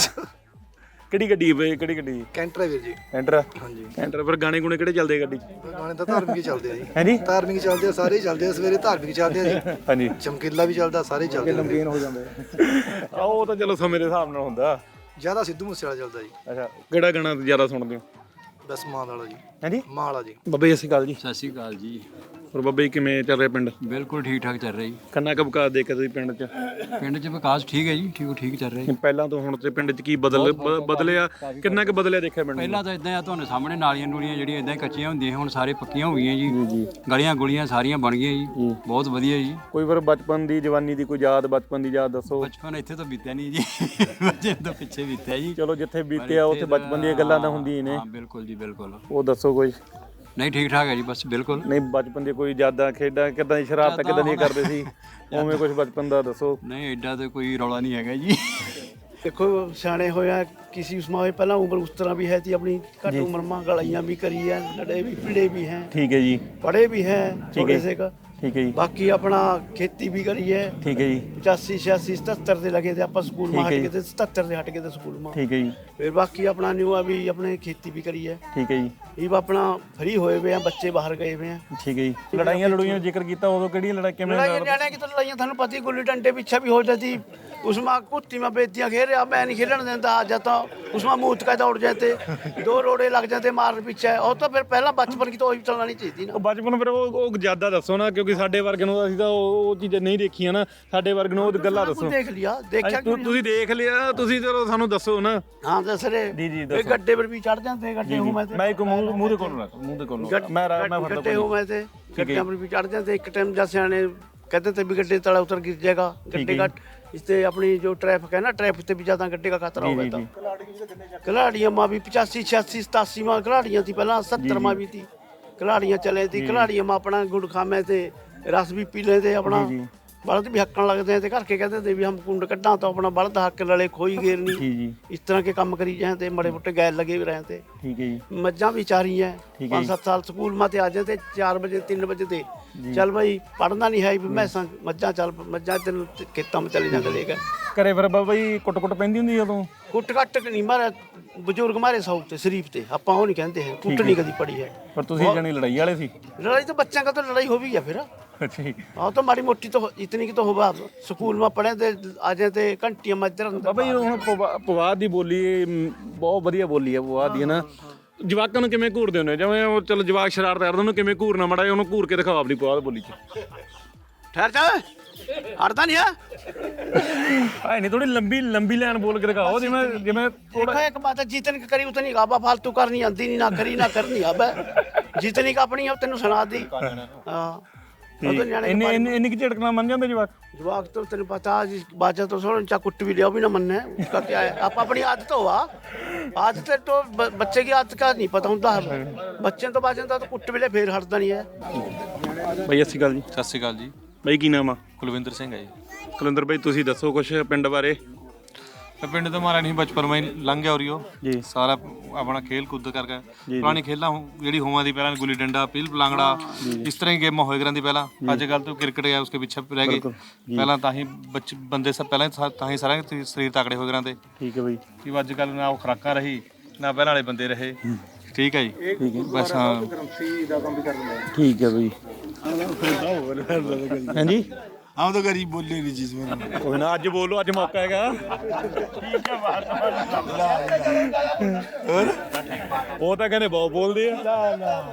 [SPEAKER 2] ਕਿਹੜੀ ਗੱਡੀ ਹੈ? ਕਿਹੜੀ ਗੱਡੀ?
[SPEAKER 8] ਕੈਂਟਰ ਹੈ ਵੀਰ ਜੀ।
[SPEAKER 2] ਕੈਂਟਰ?
[SPEAKER 8] ਹਾਂਜੀ।
[SPEAKER 2] ਕੈਂਟਰ। ਫਿਰ ਗਾਣੇ ਗੁਣੇ ਕਿਹੜੇ ਚੱਲਦੇ ਗੱਡੀ 'ਚ?
[SPEAKER 8] ਗਾਣੇ ਤਾਂ ਧਾਰਮਿਕ ਹੀ ਚੱਲਦੇ ਆ ਜੀ।
[SPEAKER 2] ਹਾਂਜੀ,
[SPEAKER 8] ਧਾਰਮਿਕ ਚੱਲਦੇ ਆ, ਸਾਰੇ ਹੀ ਚੱਲਦੇ ਆ। ਸਵੇਰੇ ਧਾਰਮਿਕ ਚੱਲਦੇ ਆ ਜੀ,
[SPEAKER 2] ਹਾਂਜੀ,
[SPEAKER 8] ਚਮਕੀਲਾ ਵੀ ਚੱਲਦਾ, ਸਾਰੇ ਹੀ ਚੱਲਦੇ ਆ।
[SPEAKER 3] ਨਮਕੀਨ ਹੋ ਜਾਂਦੇ
[SPEAKER 2] ਆ ਉਹ ਤਾਂ ਚਲੋ ਸਮੇਂ ਦੇ ਹਿਸਾਬ ਨਾਲ ਹੁੰਦਾ।
[SPEAKER 8] ਜ਼ਿਆਦਾ ਸਿੱਧੂ ਮੂਸੇ ਵਾਲਾ ਚੱਲਦਾ ਜੀ।
[SPEAKER 2] ਅੱਛਾ, ਕਿਹੜਾ ਗਾਣਾ ਜ਼ਿਆਦਾ ਸੁਣਦੇ ਹੋ?
[SPEAKER 8] ਬਸ ਮਾਂ ਵਾਲਾ ਜੀ।
[SPEAKER 2] ਹਾਂਜੀ,
[SPEAKER 8] ਮਾਂ ਵਾਲਾ ਜੀ।
[SPEAKER 2] ਬਾਬਾ ਜੀ ਸਤਿ ਸ਼੍ਰੀ ਅਕਾਲ ਜੀ।
[SPEAKER 6] ਸਤਿ ਸ਼੍ਰੀ ਅਕਾਲ ਜੀ।
[SPEAKER 2] ਹੋਰ ਬਾਬਾ ਜੀ ਕਿਵੇਂ ਚੱਲ ਰਿਹਾ ਪਿੰਡ?
[SPEAKER 6] ਬਿਲਕੁਲ ਠੀਕ ਠਾਕ ਚੱਲ ਰਿਹਾ ਜੀ।
[SPEAKER 2] ਕਿੰਨਾ ਕੁ ਵਿਕਾਸ ਦੇਖਿਆ ਤੁਸੀਂ ਪਿੰਡ 'ਚ?
[SPEAKER 6] ਪਿੰਡ 'ਚ ਵਿਕਾਸ ਠੀਕ ਹੈ ਜੀ, ਠੀਕ ਠੀਕ ਚੱਲ ਰਿਹਾ ਜੀ।
[SPEAKER 2] ਪਹਿਲਾਂ ਤੋਂ ਹੁਣ ਤੇ ਪਿੰਡ 'ਚ ਕੀ ਬਦਲ ਬ- ਬਦਲਿਆ? ਕਿੰਨਾ ਕੁ ਬਦਲਿਆ ਦੇਖਿਆ ਪਿੰਡ?
[SPEAKER 6] ਪਹਿਲਾਂ ਤਾਂ ਇਦਾਂ ਆ, ਤੁਹਾਨੂੰ ਸਾਹਮਣੇ ਨਾਲੀਆਂ ਨੂਲੀਆਂ ਜਿਹੜੀਆਂ ਇਦਾਂ ਹੀ ਕੱਚੀਆਂ ਹੁੰਦੀਆਂ, ਹੁਣ ਸਾਰੇ ਪੱਕੀਆਂ ਹੋ ਗਈਆਂ ਜੀ। ਗਲੀਆਂ ਗੁਲੀਆਂ ਸਾਰੀਆਂ ਬਣ ਗਈਆਂ ਜੀ, ਬਹੁਤ ਵਧੀਆ ਜੀ।
[SPEAKER 2] ਕੋਈ ਫਿਰ ਬਚਪਨ ਦੀ ਜਵਾਨੀ ਦੀ ਕੋਈ ਯਾਦ, ਬਚਪਨ ਦੀ ਯਾਦ ਦੱਸੋ।
[SPEAKER 6] ਬਚਪਨ ਇੱਥੇ ਤਾਂ ਬੀਤਿਆ ਨਹੀਂ ਜੀ, ਬੱਚੇ ਤੋਂ ਪਿੱਛੇ ਬੀਤਿਆ ਜੀ।
[SPEAKER 2] ਚਲੋ ਜਿੱਥੇ ਬੀਤਿਆ ਉੱਥੇ ਬਚਪਨ ਦੀਆਂ ਗੱਲਾਂ ਤਾਂ ਹੁੰਦੀਆਂ ਨੇ।
[SPEAKER 6] ਹਾਂ ਬਿਲਕੁਲ ਜੀ, ਬਿਲਕੁਲ।
[SPEAKER 2] ਉਹ ਦੱਸੋ ਕੋਈ।
[SPEAKER 6] ਨਹੀਂ ਠੀਕ ਠਾਕ ਹੈ ਜੀ, ਬਸ ਬਿਲਕੁਲ।
[SPEAKER 2] ਨਹੀਂ, ਬਚਪਨ ਦੀ ਕੋਈ ਯਾਦਾਂ, ਖੇਡਾਂ, ਕਿੱਦਾਂ ਦੀ ਸ਼ਰਾਰਤਾਂ ਕਿੱਦਾਂ ਦੀਆਂ ਕਰਦੇ ਸੀ, ਉਵੇਂ ਕੁਝ ਬਚਪਨ ਦਾ ਦੱਸੋ।
[SPEAKER 6] ਨਹੀਂ ਐਡਾ ਤਾਂ ਕੋਈ ਰੌਲਾ ਨਹੀਂ ਹੈਗਾ ਜੀ।
[SPEAKER 9] देखो सियाने होया किसी उसमें पहला उम्र उस तरह भी है थी अपनी घट उम्र में गलाइयाँ भी करी है, लड़े भी पीड़े भी हैं,
[SPEAKER 2] ठीक है जी,
[SPEAKER 9] पढ़े भी हैं थोड़े से का,
[SPEAKER 2] ਠੀਕ ਹੈ ਜੀ।
[SPEAKER 9] ਬਾਕੀ ਆਪਣਾ ਖੇਤੀ ਵੀ ਕਰੀ ਹੈ।
[SPEAKER 2] ਠੀਕ ਹੈ ਜੀ।
[SPEAKER 9] ਪਚਾਸੀ ਛਿਆਸੀ ਸਤੱਤਰ ਦੇ ਲਗੇ ਤੇ ਆਪਾਂ ਸਕੂਲ ਮਾ
[SPEAKER 2] ਠੀਕ
[SPEAKER 9] ਹਟ
[SPEAKER 2] ਹੈ
[SPEAKER 9] ਕੇ
[SPEAKER 2] ਜੀ।
[SPEAKER 9] ਤੇ ਸਤੱਤਰ ਦੇ ਹਟ ਕੇ ਤੇ ਸਕੂਲ ਮਾ।
[SPEAKER 2] ਠੀਕ ਹੈ ਜੀ।
[SPEAKER 9] ਫਿਰ ਬਾਕੀ ਆਪਣਾ ਨਿਊ ਆ ਵੀ ਆਪਣੇ ਖੇਤੀ ਵੀ ਕਰੀ ਹੈ।
[SPEAKER 2] ਠੀਕ ਹੈ ਜੀ।
[SPEAKER 9] ਇਹ ਵਾ ਆਪਣਾ ਫਰੀ ਹੋਏ ਵੇ ਆ, ਬੱਚੇ ਬਾਹਰ ਗਏ ਵੇ ਆ।
[SPEAKER 2] ਠੀਕ ਹੈ ਜੀ। ਲੜਾਈਆਂ ਲੜੂਈਆਂ ਜ਼ਿਕਰ ਕੀਤਾ, ਉਦੋਂ ਕਿਹੜੀਆਂ ਲੜਾਈ ਕਿਵੇਂ
[SPEAKER 9] ਲੜਾਈਆਂ ਨਿਆਣਿਆਂ की तो लड़ाइयाँ थानू पता ही गुल्ली डंडे पीछे भी हो जाती उसमें कुत्ती में बेतियाँ खेल रहा मैं नहीं खेलने देता आ जाता उसमें मूत का दौड़ जाते दो रोड़े लग जाते मार पीछे और तो फिर पहला बचपन की तो वही चलना नहीं चाहिए ना।
[SPEAKER 2] ਉਹ ਬਚਪਨ ਫਿਰ ਉਹ ਉਹ ਜ਼ਿਆਦਾ ਦੱਸੋ ਨਾ, ਕਿਉਂਕਿ ਸਾਡੇ ਵਰਗੇ ਨੂੰ ਅਸੀਂ ਤਾਂ ਉਹ ਉਹ ਚੀਜ਼ਾਂ ਨਹੀਂ ਦੇਖੀਆਂ ਨਾ, ਸਾਡੇ ਵਰਗੇ ਨੂੰ ਉਹ ਗੱਲਾਂ ਦੱਸੋ।
[SPEAKER 9] देख लिया देखा
[SPEAKER 2] ਤੁ- ਤੁਸੀਂ ਦੇਖ ਲਿਆ, ਤੁਸੀਂ ਚਲੋ ਸਾਨੂੰ ਦੱਸੋ ਨਾ।
[SPEAKER 9] हाँ दस रहे
[SPEAKER 2] जी, जी,
[SPEAKER 9] फिर गड्ढे पर भी चढ़ जाते गड्ढे हूँ मैं
[SPEAKER 2] ਮੈਂ ਇੱਕ ਮੂੰਹ ਮੂੰਹ ਦੇ ਕੋਲ ਰੱਖ, ਮੂੰਹ ਦੇ ਕੋਲ ਰੱਖ। ਮੈਂ ਰਾ- ਮੈਂ ਫੜਦਾ
[SPEAKER 9] गड्ढे हूँ मैं थे गड्ढे पर भी चढ़ जाते एक टाइम जैसे आने कहते थे भी गड्ढे तला उतर गिर जाएगा गड्ढे का इससे अपनी जो ट्रैफिक है ना ट्रैफिक से भी ज्यादा गड्ढे का खतरा हो गया था। खिलाड़ियाँ माँ भी पचासी छियासी सतासी माँ खिलाड़ियाँ थी पहला सत्तर माँ भी थी खिलाड़ियाँ चले थी खिलाड़ियाँ माँ अपना गुड़ खामे थे रस भी पी लेते अपना बलद भी हक्कन लगते हैं घर के कहते थे भी हम कुंड कड्डा तो अपना बलद हक लड़े खोई घेरनी इस तरह के काम करी जाए थे बड़े मोटे गैर लगे भी रहे थे।
[SPEAKER 2] ठीक है जी।
[SPEAKER 9] मज्जा भी चारी हैं पाँच सात साल स्कूल में आ जाते चार बजे तीन बजे थे चल भाई पढ़ना नहीं है भी मैं मज्जा चल मज्जा तेन खेतों में चले जाते लेकर
[SPEAKER 2] ਘਰੇ ਫਿਰ ਬਾਬਾ ਜੀ ਕੁੱਟ ਕੁੱਟ ਪੈਂਦੀ ਹੁੰਦੀ ਉਦੋਂ?
[SPEAKER 9] ਕੁੱਟ ਕੱਟ ਨਹੀਂ ਮਾਰੇ ਬਜ਼ੁਰਗ ਮਾਰੇ ਸੌ ਤੇ ਸ਼ਰੀਫ ਤੇ ਆਪਾਂ ਉਹ ਨਹੀਂ ਕਹਿੰਦੇ ਹੈ ਕੁੱਟ ਨਹੀਂ ਕਦੀ ਪੜੀ ਹੈ।
[SPEAKER 2] ਪਰ ਤੁਸੀਂ ਜਾਨੀ ਲੜਾਈ ਵਾਲੇ ਸੀ?
[SPEAKER 9] लड़ाई तो बच्चों का तो लड़ाई हो भी है फिर
[SPEAKER 2] ਅੱਛਾ ਜੀ।
[SPEAKER 9] हाँ तो माड़ी मोटी तो इतनी की तो होगा स्कूल में पढ़े थे आ जाते घंटियां मजर
[SPEAKER 2] ਬਾਬਾ ਜੀ ਹੁਣ ਪਵਾ- ਪਵਾਦ ਦੀ ਬੋਲੀ ਮ, ਬਹੁਤ ਵਧੀਆ ਬੋਲੀ ਹੈ ਪਵਾਦ ਦੀ, ਹੈ ਨਾ। ਜਵਾਕਾਂ ਨੂੰ ਕਿਵੇਂ ਘੂਰਦੇ ਹੁੰਦੇ, ਜਿਵੇਂ ਉਹ ਚਲੋ ਜਵਾਕ ਸ਼ਰਾਰਤ ਕਰਦੇ ਉਹਨੂੰ ਕਿਵੇਂ ਘੂਰਨਾ, ਮਾੜਾ ਜਿਹਾ ਉਹਨੂੰ ਘੂਰ ਕੇ ਦਿਖਾਓ ਆਪਣੀ ਪਵਾਦ ਬੋਲੀ ਚ।
[SPEAKER 9] ठहर जा अड़ता नहीं है
[SPEAKER 2] ਐ ਨਹੀਂ ਥੋੜੀ ਲੰਬੀ ਲੰਬੀ ਲਾਈਨ ਬੋਲ ਕੇ ਦਿਖਾਓ, ਜਿਵੇਂ ਜਿਵੇਂ
[SPEAKER 9] देखो एक बात है जितनी की करी उतनी गाबा फालतू करनी आती नहीं ना करी ना करनी अब जितनी का अपनी है तेन सुना दी। हाँ ਉਹ ਤਾਂ ਨਿਆਣੇ
[SPEAKER 2] ਇੰਨੇ ਇੰਨੇ ਇੰਨੀ ਕਿ ਝਟਕਣਾ ਮੰਨ ਜਾਂਦੇ ਜਵਾਕ?
[SPEAKER 9] जवाक तो तेन पता जी बाजा तो सोन चा कुट भी लिया भी ना मनना है उसका क्या है आप अपनी आदत हो आदत तो ब- बच्चे की आदत का नहीं पता होता है बच्चे तो बाजा तो कुट भी ले फिर हटता नहीं है।
[SPEAKER 2] ਬਾਈ ਸਤਿ ਸ਼੍ਰੀ ਅਕਾਲ ਜੀ।
[SPEAKER 1] ਸਤਿ ਸ਼੍ਰੀ ਅਕਾਲ ਜੀ।
[SPEAKER 2] ਬਾਈ ਕੀ ਨਾਮ ਆ?
[SPEAKER 1] ਕੁਲਵਿੰਦਰ ਸਿੰਘ ਹੈ ਜੀ।
[SPEAKER 2] ਕੁਲਵਿੰਦਰ ਬਾਈ ਤੁਸੀਂ ਦੱਸੋ ਕੁਛ ਪਿੰਡ ਬਾਰੇ।
[SPEAKER 1] ਤਾਂ ਪਿੰਡ ਤੋਂ ਮਾਰਾ ਨਹੀਂ ਬਚਪਨ ਮੈਂ ਲੰਘ ਗਿਆ ਉਰੀਓ
[SPEAKER 2] ਜੀ।
[SPEAKER 1] ਸਾਰਾ ਆਪਣਾ ਖੇਲ ਕੁੱਦ ਕਰਕੇ ਪੁਰਾਣੀ ਖੇਲਾਂ ਜਿਹੜੀ ਹੋਵਾਂ ਦੀ ਪਹਿਲਾਂ ਗੁੱਲੀ ਡੰਡਾ ਪੀਲ ਪਲਾਂਗੜਾ ਇਸ ਤਰ੍ਹਾਂ ਹੀ ਗੇਮਾਂ ਹੋਏ ਕਰਾਂਦੀ ਪਹਿਲਾਂ। ਅੱਜ ਕੱਲ ਤਾਂ ਕ੍ਰਿਕਟ ਗਿਆ ਉਸਕੇ ਪਿੱਛੇ ਰਹਿ ਗਏ। ਪਹਿਲਾਂ ਤਾਂ ਹੀ ਬੱਚੇ ਬੰਦੇ ਸਭ ਪਹਿਲਾਂ ਹੀ ਤਾਂ ਹੀ ਸਾਰਾ ਸਰੀਰ ਤਕੜੇ ਹੋਏ ਕਰਾਂਦੇ।
[SPEAKER 2] ਠੀਕ ਹੈ ਬਾਈ।
[SPEAKER 1] ਕਿ ਅੱਜ ਕੱਲ ਨਾ ਉਹ ਖੁਰਾਕਾਂ ਰਹੀ ਨਾ ਪਹਿਲਾਂ ਵਾਲੇ ਬੰਦੇ ਰਹੇ। ਠੀਕ ਹੈ ਜੀ। ਬਸ ਹਾਂ
[SPEAKER 2] ਠੀਕ ਹੈ ਬਾਈ। ਹਾਂਜੀ
[SPEAKER 10] हम तो गरीब बोले नहीं चीज में
[SPEAKER 2] ਕੋਈ ਨਾ ਅੱਜ ਬੋਲੋ, ਅੱਜ ਮੌਕਾ ਹੈਗਾ। ਉਹ ਤਾਂ ਕਹਿੰਦੇ ਬਹੁਤ ਬੋਲਦੇ ਆ।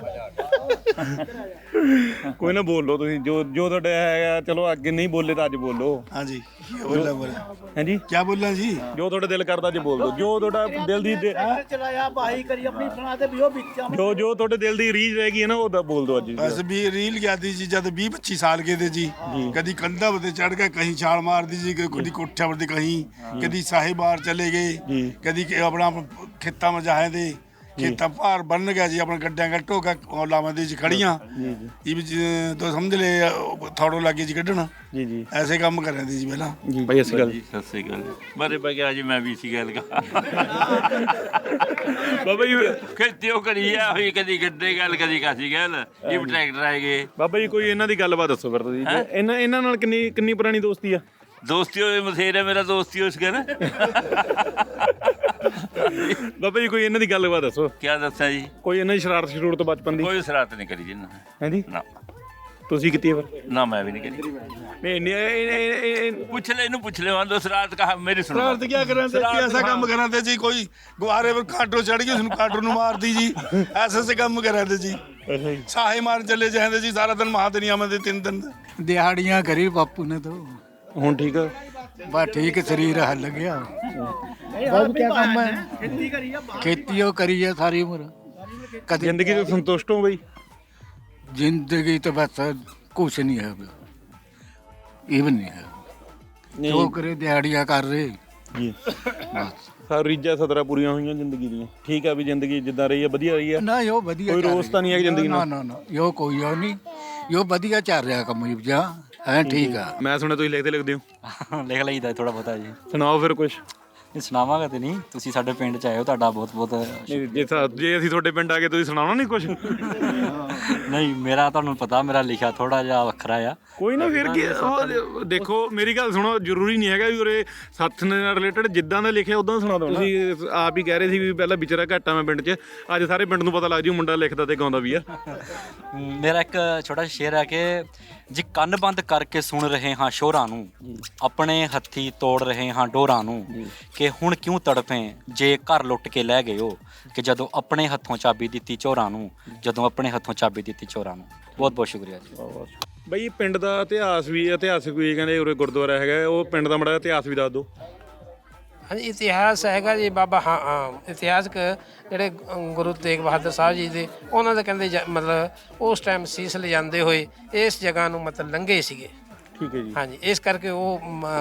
[SPEAKER 2] ਕੋਈ ਨਾ ਬੋਲੋ ਤੁਸੀਂ ਜੋ ਜੋ ਤੁਹਾਡਾ ਹੈਗਾ। ਚਲੋ ਅੱਗੇ ਨਹੀਂ ਬੋਲੇ ਤਾਂ ਅੱਜ ਬੋਲੋ।
[SPEAKER 10] हाँ जी क्या बोलना बोला
[SPEAKER 2] ਹਾਂਜੀ
[SPEAKER 10] क्या बोलना जी
[SPEAKER 2] ਜੋ ਤੁਹਾਡਾ ਦਿਲ ਕਰਦਾ ਅੱਜ ਬੋਲ ਦੋ, ਜੋ ਤੁਹਾਡਾ ਦਿਲ ਦੀ ਦੇ-
[SPEAKER 9] चलाया भाई करी अपनी सुना दे भी वो बिचा
[SPEAKER 2] ਜੋ ਜੋ ਤੁਹਾਡੇ ਦਿਲ ਦੀ ਰੀਝ ਰਹਿ ਗਈ ਹੈ ਨਾ ਉਹ ਤਾਂ ਬੋਲ ਦੋ ਅੱਜ।
[SPEAKER 10] बस भी रील क्या थी जी जब बीस पच्चीस साल के थे जी कभी कंधा पर चढ़ के कहीं छाल मार दी जी कभी कोठा पर कहीं कभी साहिबार चले गए कभी अपना खेता में जाए थे खेता भार बन गया जी अपना गड्ढा गट्टो का लावा दी जी खड़ियां ये भी तो समझ ले थोड़ो लागे जी कढ़ना
[SPEAKER 2] ਜੀ ਜੀ
[SPEAKER 10] ऐसे काम कर रहे थे जी पहला
[SPEAKER 2] ਜੀ ਬਾਈ ਅਸੀਂ ਗੱਲ
[SPEAKER 4] ਸਤਿ ਸ੍ਰੀ ਅਕਾਲ ਬਾਰੇ ਬਗਿਆ ਜੀ ਮੈਂ ਵੀ ਸੀ ਗੱਲ ਕਾ
[SPEAKER 2] ਬਾਬਾ ਜੀ
[SPEAKER 4] ਖੇਤੀ ਉਹ ਕਰੀ ਆ ਹੋਈ ਕਦੀ ਗੱਡੇ ਗੱਲ ਕਦੀ ਕਾਸੀ ਗੱਲ ਇਹ ਵੀ ਟਰੈਕਟਰ ਆਏ ਗਏ।
[SPEAKER 2] ਬਾਬਾ ਜੀ ਕੋਈ ਇਹਨਾਂ ਦੀ ਗੱਲਬਾਤ ਦੱਸੋ ਫਿਰ ਤੁਸੀਂ। ਇਹਨਾਂ ਇਹਨਾਂ ਨਾਲ ਕਿੰਨੀ ਕਿੰਨੀ ਪੁਰਾਣੀ ਦੋਸਤੀ ਆ?
[SPEAKER 4] ਦੋਸਤੀ ਹੋਏ ਮਥੇਰ ਹੈ ਮੇਰਾ ਦੋਸਤੀ ਉਸ ਕਰ
[SPEAKER 2] ਬਾਬਾ ਜੀ ਕੋਈ ਇਹਨਾਂ ਦੀ ਗੱਲਬਾਤ ਦੱਸੋ।
[SPEAKER 4] ਕੀ ਦੱਸਾਂ ਜੀ?
[SPEAKER 2] ਕੋਈ ਇਹਨਾਂ ਦੀ ਸ਼ਰਾਰਤ ਸ਼ਰੂਰ ਤੋਂ ਬਚਪਨ ਦੀ?
[SPEAKER 4] ਕੋਈ ਸ਼ਰਾਰਤ ਨਹੀਂ ਕਰੀ ਜੀ ਨਾ।
[SPEAKER 2] ਹਾਂਜੀ
[SPEAKER 4] ਨਾ
[SPEAKER 2] ਤੁਸੀਂ ਕੀਤੀ ਹੈ ਫਿਰ?
[SPEAKER 4] ਨਾ ਮੈਂ ਵੀ ਨਹੀਂ ਕਰੀ।
[SPEAKER 2] ਨਹੀਂ ਨਹੀਂ
[SPEAKER 4] ਪੁੱਛ ਲੈ ਇਹਨੂੰ ਪੁੱਛ ਲੈ ਵਾਂ ਸ਼ਰਾਰਤ ਕਹਾ ਮੇਰੀ ਸੁਣੋ।
[SPEAKER 10] शरारत क्या कर रहे थे ऐसा काम कर रहे थे जी कोई गुब्बारे पर काटो चढ़ गई उसने काटो नु मार दी जी ऐसे से काम कर रहे थे जी साहे मार चले जाते जी सारा दिन महाद नहीं आते तीन दिन
[SPEAKER 3] ਦਿਹਾੜੀਆਂ ਕਰੀ ਬਾਪੂ ਨੇ ਤਾਂ
[SPEAKER 2] ਹੁਣ ਠੀਕ ਆ?
[SPEAKER 3] ਬਸ ਠੀਕ ਸਰੀਰ ਹੱਲ ਗਿਆ। ਬਹੁਤ ਕੀ ਕੰਮ ਹੈ ਖੇਤੀ ਉਹ ਕਰੀ ਹੈ ਸਾਰੀ ਉਮਰ ਕਦੇ
[SPEAKER 2] ਜ਼ਿੰਦਗੀ ਤੋਂ ਸੰਤੁਸ਼ਟ ਹੋ ਬਈ?
[SPEAKER 3] ਜ਼ਿੰਦਗੀ ਤਾਂ ਬਸ ਕੁਛ ਨਹੀਂ ਹੈ ਇਹ ਵੀ ਨਹੀਂ ਹੈ ਜੋ ਕਰੇ ਦਿਹਾੜੀਆਂ ਕਰ ਰਹੇ
[SPEAKER 2] ਜੀ ਸਾਰੀ ਰੀਝਾਂ ਸਦਰਾਂ ਪੂਰੀਆਂ ਹੋਈਆਂ ਜ਼ਿੰਦਗੀ ਦੀਆਂ। ਠੀਕ ਆ ਵੀ ਜ਼ਿੰਦਗੀ ਜਿੱਦਾਂ ਰਹੀ ਆ ਵਧੀਆ ਰਹੀ ਆ?
[SPEAKER 3] ਨਾ ਯੋ ਵਧੀਆ
[SPEAKER 2] ਕੋਈ ਰੋਸ ਤਾਂ ਨਹੀਂ ਹੈ ਜ਼ਿੰਦਗੀ
[SPEAKER 3] ਨਾ
[SPEAKER 2] ਨਾਲ?
[SPEAKER 3] ਨਾ ਨਾ ਯੋ ਕੋਈ ਉਹ ਨਹੀਂ ਯੋ ਵਧੀਆ ਚੱਲ ਰਿਹਾ ਕੰਮ ਜੀ ਜਾਂ ਹੈ ਠੀਕ ਆ।
[SPEAKER 2] ਮੈਂ ਸੁਣਿਆ ਤੁਸੀਂ ਲਿਖਦੇ ਲਿਖਦੇ ਹੋ।
[SPEAKER 6] ਲਿਖ ਲਈਦਾ ਥੋੜਾ ਬਹੁਤਾ ਜੀ।
[SPEAKER 2] ਸੁਣਾਓ ਫਿਰ ਕੁਛ।
[SPEAKER 6] ਨਹੀਂ ਸੁਣਾਵਾਂਗਾ ਤੇ ਨਹੀਂ, ਤੁਸੀਂ ਸਾਡੇ ਪਿੰਡ ਚ ਆਏ ਹੋ, ਤੁਹਾਡਾ ਬਹੁਤ ਬਹੁਤ
[SPEAKER 2] ਨਹੀਂ ਜੇ ਸਾ- ਜੇ ਅਸੀਂ ਤੁਹਾਡੇ ਪਿੰਡ ਆ ਗਏ ਤੁਸੀਂ ਸੁਣਾਉਣਾ ਨਹੀਂ ਕੁਛ?
[SPEAKER 6] ਨਹੀਂ ਮੇਰਾ ਤੁਹਾਨੂੰ ਪਤਾ ਮੇਰਾ ਲਿਖਿਆ ਥੋੜਾ ਜਿਹਾ ਵੱਖਰਾ ਆ।
[SPEAKER 2] ਕੋਈ ਨਾ ਫਿਰ ਕੀ ਉਹ ਦੇਖੋ ਮੇਰੀ ਗੱਲ ਸੁਣੋ, ਜ਼ਰੂਰੀ ਨਹੀਂ ਹੈਗਾ ਵੀ ਉਰੇ ਸੱਥ ਨਾਲ ਰਿਲੇਟਡ ਜਿੱਦਾਂ ਦਾ ਲਿਖਿਆ ਉਦਾਂ ਸੁਣਾ ਦੋ। ਤੁਸੀਂ ਆਪ ਹੀ ਕਹਿ ਰਹੇ ਸੀ ਵੀ ਪਹਿਲਾਂ ਵਿਚਾਰਾ ਘੱਟ ਆ ਮੈਂ ਪਿੰਡ 'ਚ, ਅੱਜ ਸਾਰੇ ਪਿੰਡ ਨੂੰ ਪਤਾ ਲੱਗ ਜੂ ਮੁੰਡਾ ਲਿਖਦਾ ਤੇ ਗਾਉਂਦਾ ਵੀ ਆ।
[SPEAKER 6] ਮੇਰਾ ਇੱਕ ਛੋਟਾ ਜਿਹਾ ਸ਼ੇਰ ਹੈ ਕਿ ਜੀ ਕੰਨ ਬੰਦ ਕਰਕੇ ਸੁਣ ਰਹੇ ਹਾਂ ਸ਼ੋਰਾਂ ਨੂੰ, ਆਪਣੇ ਹੱਥੀ ਤੋੜ ਰਹੇ ਹਾਂ ਡੋਰਾਂ ਨੂੰ, ਕਿ ਹੁਣ ਕਿਉਂ ਤੜਫੇ ਜੇ ਘਰ ਲੁੱਟ ਕੇ ਲੈ ਗਏ ਹੋ, ਕਿ ਜਦੋਂ ਆਪਣੇ ਹੱਥੋਂ ਚਾਬੀ ਦਿੱਤੀ ਚੋਰਾਂ ਨੂੰ, ਜਦੋਂ ਆਪਣੇ ਹੱਥੋਂ ਚਾਬੀ ਦਿੱਤੀ ਚੋਰਾਂ ਨੂੰ। ਬਹੁਤ ਬਹੁਤ ਸ਼ੁਕਰੀਆ ਜੀ।
[SPEAKER 2] ਬਈ ਪਿੰਡ ਦਾ ਇਤਿਹਾਸ ਵੀ ਇਤਿਹਾਸਿਕ ਵੀ ਕਹਿੰਦੇ ਉਰੇ ਗੁਰਦੁਆਰਾ ਹੈਗਾ, ਉਹ ਪਿੰਡ ਦਾ ਮਾੜਾ ਇਤਿਹਾਸ ਵੀ ਦੱਸ ਦਿਓ।
[SPEAKER 11] ਹਾਂਜੀ ਇਤਿਹਾਸ ਹੈਗਾ ਜੀ ਬਾਬਾ ਹਾਂ ਹਾਂ ਇਤਿਹਾਸਕ ਜਿਹੜੇ ਗੁਰੂ ਤੇਗ ਬਹਾਦਰ ਸਾਹਿਬ ਜੀ ਦੇ ਉਹਨਾਂ ਦੇ ਕਹਿੰਦੇ ਮਤਲਬ ਉਸ ਟਾਈਮ ਸੀਸ ਲਿਜਾਂਦੇ ਹੋਏ ਇਸ ਜਗ੍ਹਾ ਨੂੰ ਮਤਲਬ ਲੰਘੇ ਸੀਗੇ।
[SPEAKER 2] ਠੀਕ ਹੈ ਜੀ।
[SPEAKER 11] ਹਾਂਜੀ ਇਸ ਕਰਕੇ ਉਹ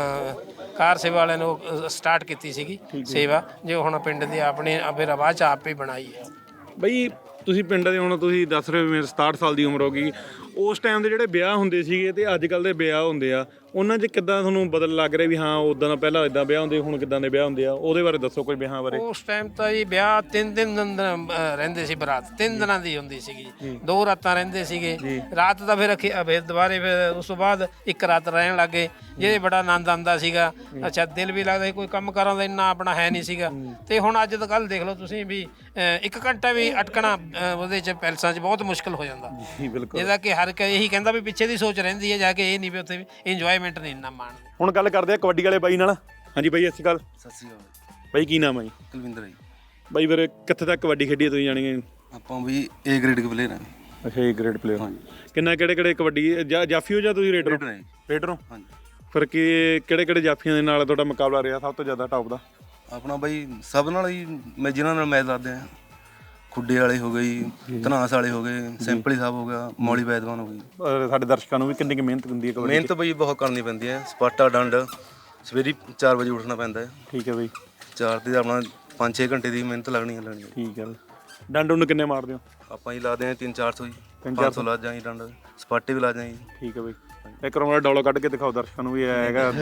[SPEAKER 11] ਕਾਰ ਸੇਵਾ ਵਾਲਿਆਂ ਨੇ ਉਹ ਸਟਾਰਟ ਕੀਤੀ ਸੀਗੀ ਸੇਵਾ, ਜੋ ਹੁਣ ਪਿੰਡ ਦੀ ਆਪਣੇ ਆਪੇ ਰਵਾਜ ਆਪੇ ਬਣਾਈ ਹੈ।
[SPEAKER 2] ਬਈ ਤੁਸੀਂ ਪਿੰਡ ਦੇ ਹੁਣ ਤੁਸੀਂ ਦੱਸ ਰਹੇ ਹੋ ਮੇਰੇ ਸਤਾਹਠ ਸਾਲ ਦੀ ਉਮਰ ਹੋ ਗਈ, ਉਸ ਟਾਈਮ ਦੇ ਜਿਹੜੇ ਵਿਆਹ ਹੁੰਦੇ ਸੀਗੇ ਤੇ ਅੱਜ ਕੱਲ੍ਹ ਦੇ ਵਿਆਹ ਹੁੰਦੇ ਆ, ਉਹਨਾਂ 'ਚ ਕਿੱਦਾਂ ਤੁਹਾਨੂੰ ਬਦਲ ਲੱਗ ਰਿਹਾ ਵੀ ਹਾਂ ਉੱਦਾਂ ਦਾ ਪਹਿਲਾਂ ਇੱਦਾਂ ਵਿਆਹ ਹੁੰਦੇ, ਹੁਣ ਕਿੱਦਾਂ ਦੇ ਵਿਆਹ ਹੁੰਦੇ ਆ? ਉਹਦੇ ਬਾਰੇ ਦੱਸੋ ਕੋਈ ਵਿਆਹਾਂ ਬਾਰੇ।
[SPEAKER 11] ਉਸ ਟਾਈਮ ਤਾਂ ਜੀ ਵਿਆਹ ਤਿੰਨ ਦਿਨ ਦਿਨ ਰਹਿੰਦੇ ਸੀ, ਬਰਾਤ ਤਿੰਨ ਦਿਨਾਂ ਦੀ ਹੁੰਦੀ ਸੀਗੀ, ਦੋ ਰਾਤਾਂ ਰਹਿੰਦੇ ਸੀਗੇ। ਰਾਤ ਦਾ ਫਿਰ ਫਿਰ ਦੁਬਾਰੇ ਫਿਰ ਉਸ ਤੋਂ ਬਾਅਦ ਇੱਕ ਰਾਤ ਰਹਿਣ ਲੱਗੇ, ਜਿਹਦੇ ਬੜਾ ਆਨੰਦ ਆਉਂਦਾ ਸੀਗਾ। ਅੱਛਾ ਦਿਲ ਵੀ ਲੱਗਦਾ ਸੀ, ਕੋਈ ਕੰਮ ਕਰਾਂ ਦਾ ਇੰਨਾ ਆਪਣਾ ਹੈ ਨਹੀਂ ਸੀਗਾ। ਤੇ ਹੁਣ ਅੱਜ ਕੱਲ੍ਹ ਦੇਖ ਲਓ ਤੁਸੀਂ ਵੀ ਇੱਕ ਘੰਟਾ ਵੀ ਅਟਕਣਾ ਉਹਦੇ 'ਚ ਪੈਲਸਾਂ 'ਚ ਬਹੁਤ ਮੁਸ਼ਕਿਲ ਹੋ ਜਾਂਦਾ, ਜਿਹਦਾ ਕਿ ਹਰ ਕੋਈ ਇਹੀ ਕਹਿੰਦਾ ਵੀ ਪਿੱਛੇ ਦੀ ਸੋਚ ਰਹਿੰਦੀ ਹੈ, ਜਾ ਕੇ ਇਹ ਨਹੀਂ ਵੀ ਉੱਥੇ ਵੀ ਇੰਜੋਏਮੈਂਟ ਨਹੀਂ ਇੰਨਾ ਮਾਣਦੇ।
[SPEAKER 2] ਹੁਣ ਗੱਲ ਕਰਦੇ ਆ ਕਬੱਡੀ ਵਾਲੇ ਬਾਈ ਨਾਲ। ਹਾਂਜੀ ਬਾਈ ਸਤਿ ਸ਼੍ਰੀ ਅਕਾਲ।
[SPEAKER 5] ਸਤਿ ਸ਼੍ਰੀ ਅਕਾਲ
[SPEAKER 2] ਬਾਈ ਕੀ ਨਾਮ ਹੈ ਜੀ?
[SPEAKER 5] ਕੁਲਵਿੰਦਰ ਜੀ।
[SPEAKER 2] ਬਾਈ ਫਿਰ ਕਿੱਥੇ ਤੱਕ ਕਬੱਡੀ ਖੇਡੀ ਤੁਸੀਂ ਜਾਣੀਏ?
[SPEAKER 5] ਆਪਾਂ ਵੀ ਏ ਗ੍ਰੇਡ ਦੇ ਪਲੇਅਰ ਹਾਂ।
[SPEAKER 2] ਅੱਛਾ ਏ ਗ੍ਰੇਡ ਪਲੇਅਰ। ਹਾਂਜੀ। ਕਿੰਨਾ ਕਿਹੜੇ ਕਿਹੜੇ ਕਬੱਡੀ ਜਾਫੀ ਹੋ ਜਾਂ ਤੁਸੀਂ ਰੇਡਰ? ਰੇਡਰ ਹੋ। ਹਾਂਜੀ। ਫਿਰ ਕੀ ਕਿਹੜੇ ਕਿਹੜੇ ਜਾਫੀਆਂ ਦੇ ਨਾਲ ਤੁਹਾਡਾ ਮੁਕਾਬਲਾ ਰਿਹਾ ਸਭ ਤੋਂ ਜ਼ਿਆਦਾ ਟੌਪ ਦਾ?
[SPEAKER 5] ਆਪਣਾ ਬਾਈ ਸਭ ਨਾਲ ਹੀ ਮੈਂ ਜਿਹਨਾਂ ਨਾਲ ਮੈਚ ਲਾਦੇ ਆ, ਖੁੱਡੇ ਵਾਲੇ ਹੋ ਗਏ ਜੀ, ਧਨਾਸ ਵਾਲੇ ਹੋ ਗਏ, ਸਿੰਪਲੀ ਸਾਹਿਬ ਹੋ ਗਿਆ, ਮੌਲੀ ਵੈਦਵਾਨ ਹੋ ਗਈ।
[SPEAKER 2] ਸਾਡੇ ਦਰਸ਼ਕਾਂ ਨੂੰ ਵੀ ਕਿੰਨੀ ਕੁ ਮਿਹਨਤ ਹੁੰਦੀ ਹੈ ਕਬੱਡੀ?
[SPEAKER 5] ਮਿਹਨਤ ਬਈ ਬਹੁਤ ਕਰਨੀ ਪੈਂਦੀ ਹੈ। ਸਪਾਟਾ ਡੰਡ ਸਵੇਰੇ ਚਾਰ ਵਜੇ ਉੱਠਣਾ ਪੈਂਦਾ ਹੈ।
[SPEAKER 2] ਠੀਕ ਹੈ ਬਈ।
[SPEAKER 5] ਚਾਰ ਤੇ ਆਪਣਾ ਪੰਜ ਛੇ ਘੰਟੇ ਦੀ ਮਿਹਨਤ ਲੱਗਣੀ ਹੈ ਲੱਗਣੀ।
[SPEAKER 2] ਠੀਕ ਹੈ। ਡੰਡ ਉਹਨੂੰ ਕਿੰਨੇ ਮਾਰਦੇ ਹੋ?
[SPEAKER 5] ਆਪਾਂ ਹੀ ਲਾਦੇ ਹਾਂ ਤਿੰਨ ਚਾਰ ਸੌ ਜੀ, ਪੰਜ ਸੌ ਲਾ ਜਾਂ ਜੀ ਡੰਡ, ਸਪਾਟੇ ਵੀ ਲਾ ਜਾਂ ਜੀ।
[SPEAKER 2] ਠੀਕ ਹੈ ਬਈ। ਇੱਕ ਰੋਣਾ ਡੋਲਾ ਕੱਢ ਕੇ ਦਿਖਾਓ ਦਰਸ਼ਕਾਂ ਨੂੰ ਵੀ ਹੈਗਾ।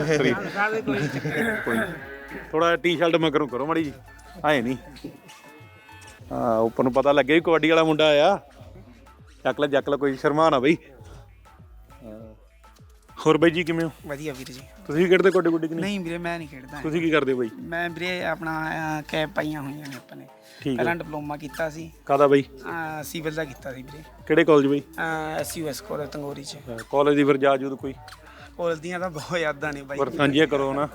[SPEAKER 2] ਕੋਈ ਥੋੜਾ ਟੀ ਸ਼ਰਟ ਮਗਰੋਂ ਕਰੋ ਮਾੜੀ ਜੀ, ਆਏ ਨਹੀਂ ਹਾਂ ਉੱਪਰ ਨੂੰ ਪਤਾ ਲੱਗੇ ਵੀ ਕਬੱਡੀ ਵਾਲਾ ਮੁੰਡਾ ਆ। ਚੱਕ ਲੈ ਚੱਕ ਲੈ, ਕੋਈ ਸ਼ਰਮਾ ਨਾ ਬਈ। ਹੋਰ ਬਾਈ ਜੀ ਕਿਵੇਂ ਹੋ?
[SPEAKER 12] ਵਧੀਆ ਵੀਰ ਜੀ।
[SPEAKER 2] ਤੁਸੀਂ ਵੀ ਖੇਡਦੇ ਕਬੱਡੀ ਗੁੱਡੀ ਕਿ ਨਹੀਂ?
[SPEAKER 12] ਨਹੀਂ ਵੀਰੇ ਮੈਂ ਨਹੀਂ ਖੇਡਦਾ।
[SPEAKER 2] ਤੁਸੀਂ ਕੀ ਕਰਦੇ ਬਾਈ?
[SPEAKER 12] ਮੈਂ ਵੀਰੇ ਆਪਣਾ ਕੈਬ ਪਾਈਆਂ ਹੋਈਆਂ ਨੇ ਆਪਾਂ ਨੇ। ਪਹਿਲਾਂ ਡਿਪਲੋਮਾ ਕੀਤਾ ਸੀ।
[SPEAKER 2] ਕਾਹਦਾ ਬਾਈ?
[SPEAKER 12] ਸਿਵਲ ਦਾ ਕੀਤਾ ਸੀ ਵੀਰੇ।
[SPEAKER 2] ਕਿਹੜੇ ਕਾਲਜ ਬਾਈ?
[SPEAKER 12] S U S college Tangori ਚ।
[SPEAKER 2] ਕਾਲਜ ਦੀ ਫਿਰ ਜਾ ਜੂਦ ਕੋਈ?
[SPEAKER 12] ਕਾਲਜ ਦੀਆਂ ਤਾਂ ਬਹੁਤ ਯਾਦਾਂ ਨੇ ਬਾਈ।
[SPEAKER 2] ਪਰ ਸਾਂਝੀਆਂ ਕਰੋ ਨਾ।